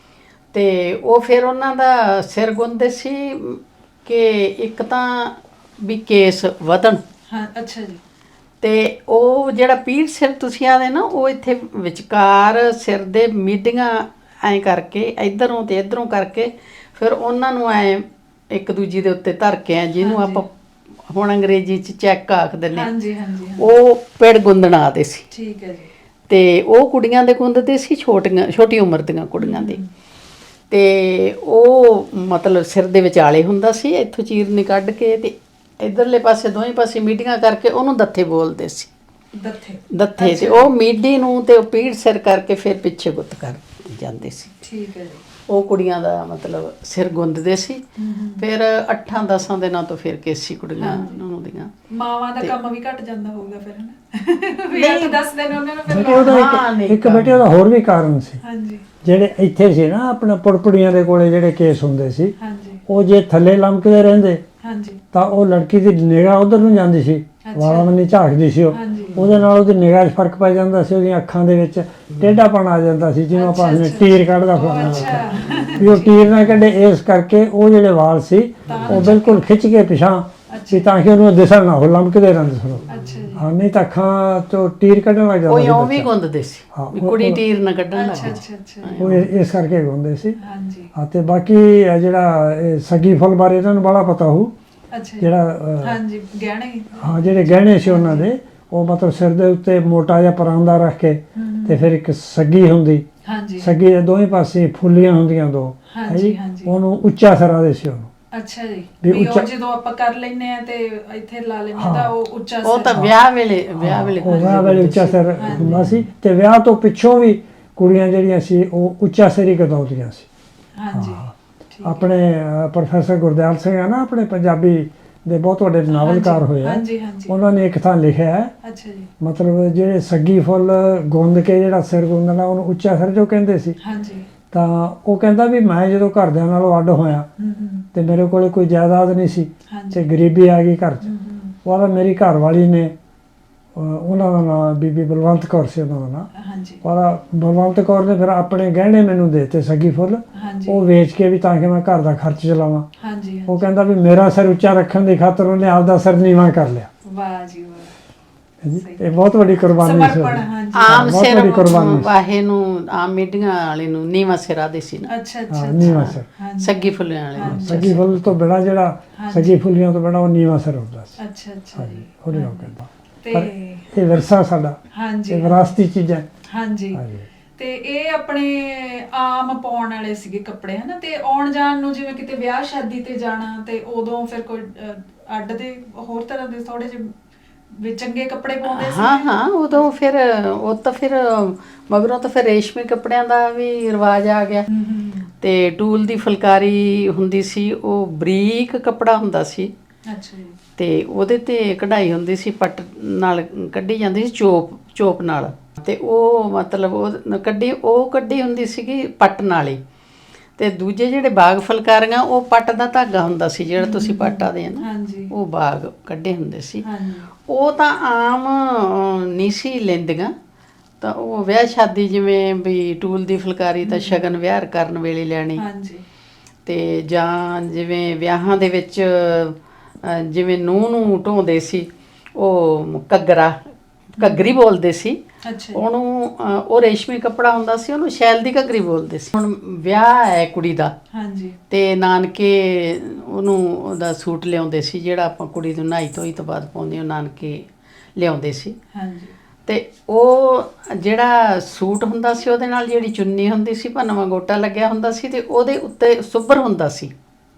[SPEAKER 3] ਤੇ ਉਹ ਫਿਰ ਉਹਨਾਂ ਦਾ ਸਿਰ ਗੁੰਨਦੇ ਸੀ ਕਿ ਇੱਕ ਤਾਂ ਵੀ ਕੇਸ ਵਧਣ।
[SPEAKER 1] ਹਾਂ ਅੱਛਾ ਜੀ।
[SPEAKER 3] ਤੇ ਉਹ ਜਿਹੜਾ ਪੀੜ ਸਿਰ ਤੁਸੀਂ ਆਦੇ ਨਾ, ਉਹ ਇੱਥੇ ਵਿਚਕਾਰ ਸਿਰ ਦੇ ਮੀਡੀਆਂ ਐਂ ਕਰਕੇ ਇਧਰੋਂ ਤੇ ਇਧਰੋਂ ਕਰਕੇ ਫਿਰ ਉਹਨਾਂ ਨੂੰ ਐਂ ਇੱਕ ਦੂਜੀ ਦੇ ਉੱਤੇ ਧਰ ਕੇ ਐ, ਜਿਹਨੂੰ ਆਪਾਂ ਹੁਣ ਅੰਗਰੇਜ਼ੀ 'ਚ ਚੈੱਕ ਆਖ ਦਿੰਦੇ ਹਾਂ,
[SPEAKER 1] ਹਾਂਜੀ ਹਾਂਜੀ
[SPEAKER 3] ਉਹ ਪਿੜ ਗੁੰਦਣ ਆਦੇ ਸੀ।
[SPEAKER 1] ਠੀਕ ਹੈ ਜੀ।
[SPEAKER 3] ਤੇ ਉਹ ਕੁੜੀਆਂ ਦੇ ਗੁੰਦਦੇ ਸੀ, ਛੋਟੀ ਉਮਰ ਦੀਆਂ ਕੁੜੀਆਂ ਦੇ। ਤੇ ਉਹ ਮਤਲਬ ਸਿਰ ਦੇ ਵਿਚਾਲੇ ਹੁੰਦਾ ਸੀ, ਇੱਥੋਂ ਚੀਰਨੀ ਕੱਢ ਕੇ ਤੇ ਇਧਰਲੇ ਪਾਸੇ ਦੋਵੇਂ ਪਾਸੇ ਮੀਡੀਆਂ ਕਰਕੇ ਉਹਨੂੰ ਦੱਥੇ ਬੋਲਦੇ ਸੀ। ਦੱਥੇ ਤੇ ਉਹ ਮੀਡੀ ਨੂੰ ਤੇ ਉਹ ਪੀੜ ਸਿਰ ਕਰਕੇ ਫਿਰ ਪਿੱਛੇ ਗੁੱਤ ਕਰ ਜਾਂਦੇ ਸੀ।
[SPEAKER 1] ਠੀਕ ਹੈ ਜੀ।
[SPEAKER 3] ਉਹ ਕੁੜੀਆਂ ਦਾ ਮਤਲਬ ਸਿਰ ਗੁੰਦਦੇ ਸੀ। ਫਿਰ 8-10 ਦਿਨਾਂ ਤੋਂ ਫਿਰ ਕੇਸੀ ਕੁੜੀਆਂ ਨੂੰ ਦੀਆਂ
[SPEAKER 1] ਮਾਵਾਂ ਦਾ ਕੰਮ ਵੀ ਘਟ ਜਾਂਦਾ ਹੋਊਗਾ ਫਿਰ ਹਨਾ ਵੀ 8-10 ਦਿਨ ਉਹਨਾਂ ਨੂੰ ਫਿਰ
[SPEAKER 2] ਇੱਕ ਬੇਟੇ ਉਹਦਾ ਹੋਰ ਵੀ ਕਾਰਨ ਸੀ।
[SPEAKER 1] ਹਾਂਜੀ
[SPEAKER 2] ਜਿਹੜੇ ਇੱਥੇ ਸੀ ਨਾ ਆਪਣਾ ਪੁੜਪੁੜੀਆਂ ਦੇ ਕੋਲੇ ਜਿਹੜੇ ਕੇਸ ਹੁੰਦੇ ਸੀ,
[SPEAKER 1] ਹਾਂਜੀ
[SPEAKER 2] ਉਹ ਜੇ ਥੱਲੇ ਲਮਕਦੇ ਰਹਿੰਦੇ
[SPEAKER 1] ਹਾਂਜੀ
[SPEAKER 2] ਤਾਂ ਉਹ ਲੜਕੀ ਦੀ ਨਿਗਾਹ ਉਧਰ ਨੂੰ ਜਾਂਦੀ ਸੀ, ਵਾਲਾਂ ਬੰਨੀ ਝਾਕਦੀ ਸੀ ਉਹ।
[SPEAKER 1] ਹਾਂਜੀ
[SPEAKER 2] ਉਹਦੇ ਨਾਲ ਉਹਦੀ ਨਿਗਾਹ 'ਚ ਫਰਕ ਪੈ ਜਾਂਦਾ ਸੀ, ਉਹਦੀਆਂ ਅੱਖਾਂ ਦੇ ਵਿੱਚ ਟੇਢਾਪਣ ਆ ਜਾਂਦਾ ਸੀ, ਜਿਹਨੂੰ ਆਪਾਂ ਨੇ ਟੀਰ ਕੱਢਦਾ ਫਲਾਣਾ ਵੀ ਉਹ ਟੀਰ ਨਾ ਕੱਢੇ। ਇਸ ਕਰਕੇ ਉਹ ਜਿਹੜੇ ਵਾਲ ਸੀ ਉਹ ਬਿਲਕੁਲ ਖਿੱਚ ਕੇ ਪਿਛਾਂ ਵੀ ਤਾਂ ਕਿ ਉਹਨੂੰ ਦਿਸਣ ਨਾ ਹੋ, ਲਮਕਦੇ ਰਹਿੰਦੇ ਸਨ।
[SPEAKER 1] ਅੱਛਾ ਜੀ
[SPEAKER 2] ਹਾਂ, ਨਹੀਂ ਤਾਂ ਅੱਖਾਂ ਤੋਂ ਟੀਰ ਕੱਢਣ ਲੱਗ ਜਾਂਦਾ
[SPEAKER 3] ਉਹ
[SPEAKER 2] ਸੀ
[SPEAKER 3] ਇਉਂ ਵੀ
[SPEAKER 2] ਬੱਚਾ।
[SPEAKER 3] ਗੁੰਦਦੇ ਸੀ
[SPEAKER 2] ਹਾਂ,
[SPEAKER 3] ਵੀ ਕੁੜੀ ਟੀਰ ਨਾ ਕੱਢਣ ਲੱਗ
[SPEAKER 1] ਅੱਛਾ ਅੱਛਾ
[SPEAKER 2] ਉਹ ਇਸ ਕਰਕੇ ਹੁੰਦੇ ਸੀ।
[SPEAKER 1] ਹਾਂਜੀ
[SPEAKER 2] ਹਾਂ, ਤੇ ਬਾਕੀ ਇਹ ਜਿਹੜਾ ਇਹ ਸੱਗੀ ਫੁੱਲ ਬਾਰੇ ਇਹਨਾਂ ਨੂੰ ਬੜਾ ਪਤਾ ਹੋਊ।
[SPEAKER 1] ਅੱਛਾ
[SPEAKER 2] ਜਿਹੜਾ
[SPEAKER 1] ਹਾਂਜੀ ਗਹਿਣੇ
[SPEAKER 2] ਹਾਂ, ਜਿਹੜੇ ਗਹਿਣੇ ਸੀ ਉਹਨਾਂ ਦੇ, ਉਹ ਮਤਲਬ ਸਿਰ ਦੇ ਉੱਤੇ ਮੋਟਾ ਜਿਹਾ ਪਰਾਂਦਾ ਰੱਖ ਕੇ ਤੇ ਫਿਰ ਇੱਕ ਸੱਗੀ ਹੁੰਦੀ,
[SPEAKER 1] ਹਾਂਜੀ
[SPEAKER 2] ਸੱਗੀ ਦੇ ਦੋਵੇਂ ਪਾਸੇ ਫੁੱਲੀਆਂ ਹੁੰਦੀਆਂ ਦੋ,
[SPEAKER 1] ਹਾਂਜੀ ਹਾਂਜੀ
[SPEAKER 2] ਉਹਨੂੰ ਉੱਚਾ ਸਿਰਾ ਦੇ ਸੀ ਉਹਨੂੰ।
[SPEAKER 1] ਅੱਛਾ ਜੀ
[SPEAKER 2] ਵੀ
[SPEAKER 1] ਵੀ ਉਹ
[SPEAKER 2] ਉੱਚਾ-
[SPEAKER 1] ਜਦੋਂ ਆਪਾਂ ਕਰ ਲੈਨੇ ਆ ਤੇ ਇੱਥੇ ਲਾ ਲੈਨੇ ਆ ਤਾਂ ਉਹ ਉੱਚਾ
[SPEAKER 3] ਉਹ ਤਾਂ
[SPEAKER 1] ਸਿਰ
[SPEAKER 3] ਵਿਆਹ ਵੇਲੇ
[SPEAKER 2] ਉਹ ਵਿਆਹ ਵੇਲੇ
[SPEAKER 3] ਗੁੰਦਦੇ
[SPEAKER 2] ਉੱਚਾ
[SPEAKER 3] ਸੀ।
[SPEAKER 2] ਸਿਰ ਹੁੰਦਾ ਸੀ, ਤੇ ਵਿਆਹ ਤੋਂ ਪਿੱਛੋਂ ਵੀ ਕੁੜੀਆਂ ਜਿਹੜੀਆਂ ਸੀ ਉਹ ਉੱਚਾ ਸਿਰ ਹੀ ਕਦਾਉਂਦੀਆਂ ਸੀ।
[SPEAKER 1] ਹਾਂਜੀ ਠੀਕ
[SPEAKER 2] ਆਪਣੇ ਪ੍ਰੋਫੈਸਰ ਗੁਰਦਿਆਲ ਸਿੰਘ ਆ ਨਾ, ਆਪਣੇ ਪੰਜਾਬੀ ਦੇ ਬਹੁਤ ਵੱਡੇ ਨਾਵਲਕਾਰ ਹੋਏ ਆ,
[SPEAKER 1] ਹਾਂਜੀ ਹਾਂਜੀ
[SPEAKER 2] ਉਹਨਾਂ ਨੇ ਇੱਕ ਥਾਂ ਲਿਖਿਆ ਹੈ,
[SPEAKER 1] ਅੱਛਾ ਜੀ
[SPEAKER 2] ਮਤਲਬ ਜਿਹੜੇ ਸੱਗੀ ਫੁੱਲ ਗੁੰਦ ਕੇ ਜਿਹੜਾ ਸਿਰ ਗੁੰਦਣਾ ਉਹਨੂੰ ਉੱਚਾ ਸਿਰ ਜੋ ਕਹਿੰਦੇ ਸੀ।
[SPEAKER 1] ਹਾਂਜੀ
[SPEAKER 2] ਤਾਂ ਉਹ ਕਹਿੰਦਾ ਵੀ ਮੈਂ ਜਦੋਂ ਘਰਦਿਆਂ ਨਾਲੋਂ ਅੱਡ ਹੋਇਆ ਤੇ ਮੇਰੇ ਕੋਲੇ ਕੋਈ ਜਾਇਦਾਦ ਨਹੀਂ ਸੀ
[SPEAKER 1] ਹਾਂਜੀ
[SPEAKER 2] ਤੇ ਗਰੀਬੀ ਆ ਗਈ ਘਰ 'ਚ। ਉਹਦਾ ਮੇਰੀ ਘਰ ਵਾਲੀ ਨੇ, ਉਹਨਾਂ ਦਾ ਨਾਂ ਬੀਬੀ ਬਲਵੰਤ ਕੌਰ ਸੀ ਉਹਨਾਂ ਦਾ ਨਾਂ।
[SPEAKER 1] ਹਾਂਜੀ
[SPEAKER 2] ਉਹਦਾ ਬਲਵੰਤ ਕੌਰ ਨੇ ਫਿਰ ਆਪਣੇ ਗਹਿਣੇ ਮੈਨੂੰ ਦੇ ਦਿੱਤੇ ਸੱਗੀ ਫੁੱਲ,
[SPEAKER 1] ਹਾਂਜੀ
[SPEAKER 2] ਉਹ ਵੇਚ ਕੇ ਵੀ ਤਾਂ ਕਿ ਮੈਂ ਘਰ ਦਾ ਖਰਚ ਚਲਾਵਾਂ।
[SPEAKER 1] ਹਾਂਜੀ
[SPEAKER 2] ਉਹ ਕਹਿੰਦਾ ਵੀ ਮੇਰਾ ਸਿਰ ਉੱਚਾ ਰੱਖਣ ਦੀ ਖਾਤਰ ਉਹਨੇ ਆਪਦਾ ਸਿਰ ਨੀਵਾਂ ਕਰ ਲਿਆ।
[SPEAKER 1] ਵਾਹ ਜੀ ਵਾਹ
[SPEAKER 2] ਇਹ ਬਹੁਤ ਵੱਡੀ ਕੁਰਬਾਨੀ ਸੀ।
[SPEAKER 1] ਸਮਰਪਣ ਹਾਂਜੀ
[SPEAKER 3] ਆਮ
[SPEAKER 2] ਬਹੁਤ
[SPEAKER 3] ਸਿਰ
[SPEAKER 2] ਵੱਡੀ ਕੁਰਬਾਨੀ ਸੀ।
[SPEAKER 3] ਵਾਹੇ ਨੂੰ ਆਮ ਮੀਡੀਆਂ ਵਾਲੇ ਨੂੰ ਨੀਵਾਂ ਸਿਰਾ ਦੇ ਸੀ ਨਾ,
[SPEAKER 1] ਅੱਛਾ ਅੱਛਾ
[SPEAKER 2] ਹਾਂ, ਨੀਵਾਂ ਸਿਰ।
[SPEAKER 1] ਹਾਂਜੀ
[SPEAKER 3] ਸੱਗੀ ਫੁੱਲਿਆਂ ਵਾਲੇ ਨੂੰ।
[SPEAKER 2] ਸੱਗੀ ਫੁੱਲ ਤੋਂ ਬਿਨਾਂ ਜਿਹੜਾ ਸੱਗੀ ਫੁੱਲੀਆਂ ਤੋਂ ਬਿਨਾਂ ਉਹ ਨੀਵਾਂ ਸਿਰ ਹੁੰਦਾ ਸੀ।
[SPEAKER 1] ਅੱਛਾ ਅੱਛਾ ਜੀ
[SPEAKER 2] ਉਹਨੇ ਉਹ ਕਹਿੰਦਾ
[SPEAKER 1] ਤੇ
[SPEAKER 2] ਇਹ ਵਿਰਸਾ ਸਾਡਾ,
[SPEAKER 1] ਹਾਂਜੀ
[SPEAKER 2] ਇਹ ਵਿਰਾਸਤੀ ਚੀਜ਼ਾਂ।
[SPEAKER 1] ਹਾਂਜੀ
[SPEAKER 2] ਹਾਂਜੀ
[SPEAKER 1] ਤੇ ਇਹ ਆਪਣੇ ਆਮ ਪਾਉਣ ਵਾਲੇ ਸੀਗੇ ਕੱਪੜੇ ਹਨਾ, ਤੇ ਆਉਣ ਜਾਣ ਨੂੰ ਜਿਵੇਂ ਕਿਤੇ ਵਿਆਹ ਸ਼ਾਦੀ ਤੇ ਜਾਣਾ ਤੇ ਉਦੋਂ ਫਿਰ ਕੋਈ ਅੱਡ ਦੇ ਹੋਰ ਤਰ੍ਹਾਂ ਦੇ ਥੋੜੇ ਜਿਹੇ ਵੀ ਚੰਗੇ ਕੱਪੜੇ ਪਾਉਂਦੇ ਸੀ।
[SPEAKER 3] ਹਾਂ ਹਾਂ ਉਦੋਂ ਫਿਰ ਉਹ ਤਾਂ ਫਿਰ ਮਗਰੋਂ ਤਾਂ ਫਿਰ ਰੇਸ਼ਮੀ ਕੱਪੜਿਆਂ ਦਾ ਵੀ ਰਿਵਾਜ ਆ ਗਿਆ। ਤੇ ਟੂਲ ਦੀ ਫੁਲਕਾਰੀ ਹੁੰਦੀ ਸੀ, ਉਹ ਬਰੀਕ ਕੱਪੜਾ ਹੁੰਦਾ ਸੀ
[SPEAKER 1] ਅੱਛਾ ਜੀ
[SPEAKER 3] ਤੇ ਉਹਦੇ ਤੇ ਕਢਾਈ ਹੁੰਦੀ ਸੀ, ਪੱਟ ਨਾਲ ਕੱਢੀ ਜਾਂਦੀ ਸੀ, ਚੋਪ ਨਾਲ। ਤੇ ਉਹ ਮਤਲਬ ਉਹ ਕੱਢੀ ਹੁੰਦੀ ਸੀਗੀ ਪੱਟ ਨਾਲ ਹੀ। ਤੇ ਦੂਜੇ ਜਿਹੜੇ ਬਾਗ ਫੁਲਕਾਰੀਆਂ ਉਹ ਪੱਟ ਦਾ ਧਾਗਾ ਹੁੰਦਾ ਸੀ, ਜਿਹੜਾ ਤੁਸੀਂ ਪੱਟ ਆਦੇ ਆ ਨਾ,
[SPEAKER 1] ਹਾਂਜੀ
[SPEAKER 3] ਉਹ ਬਾਗ ਕੱਢੇ ਹੁੰਦੇ ਸੀ।
[SPEAKER 1] ਹਾਂਜੀ
[SPEAKER 3] ਉਹ ਤਾਂ ਆਮ ਨਹੀਂ ਸੀ ਲੈਂਦੀਆਂ, ਤਾਂ ਉਹ ਵਿਆਹ ਸ਼ਾਦੀ ਜਿਵੇਂ ਵੀ ਟੂਲ ਦੀ ਫੁਲਕਾਰੀ ਤਾਂ ਸ਼ਗਨ ਵਿਆਹ ਕਰਨ ਵੇਲੇ ਲੈਣੀ।
[SPEAKER 1] ਹਾਂਜੀ
[SPEAKER 3] ਤੇ ਜਾਂ ਜਿਵੇਂ ਵਿਆਹਾਂ ਦੇ ਵਿੱਚ ਜਿਵੇਂ ਨੂੰਹ ਨੂੰ ਢੋਂਦੇ ਸੀ, ਉਹ ਘੱਗਰੀ ਬੋਲਦੇ ਸੀ
[SPEAKER 1] ਅੱਛਾ ਜੀ
[SPEAKER 3] ਉਹਨੂੰ। ਉਹ ਰੇਸ਼ਮੀ ਕੱਪੜਾ ਹੁੰਦਾ ਸੀ, ਉਹਨੂੰ ਸ਼ੈਲ ਦੀ ਘੱਗਰੀ ਬੋਲਦੇ ਸੀ। ਹੁਣ ਵਿਆਹ ਹੈ ਕੁੜੀ ਦਾ
[SPEAKER 1] ਹਾਂਜੀ
[SPEAKER 3] ਤੇ ਨਾਨਕੇ ਉਹਨੂੰ ਉਹਦਾ ਸੂਟ ਲਿਆਉਂਦੇ ਸੀ, ਜਿਹੜਾ ਆਪਾਂ ਕੁੜੀ ਨੂੰ ਨਹਾਈ ਧੋਈ ਤੋਂ ਬਾਅਦ ਪਾਉਂਦੇ, ਉਹ ਨਾਨਕੇ ਲਿਆਉਂਦੇ ਸੀ।
[SPEAKER 1] ਹਾਂਜੀ
[SPEAKER 3] ਤੇ ਉਹ ਜਿਹੜਾ ਸੂਟ ਹੁੰਦਾ ਸੀ ਉਹਦੇ ਨਾਲ ਜਿਹੜੀ ਚੁੰਨੀ ਹੁੰਦੀ ਸੀ, ਭੰਨਵਾਂ ਗੋਟਾ ਲੱਗਿਆ ਹੁੰਦਾ ਸੀ, ਤੇ ਉਹਦੇ ਉੱਤੇ ਸੁੱਬਰ ਹੁੰਦਾ ਸੀ।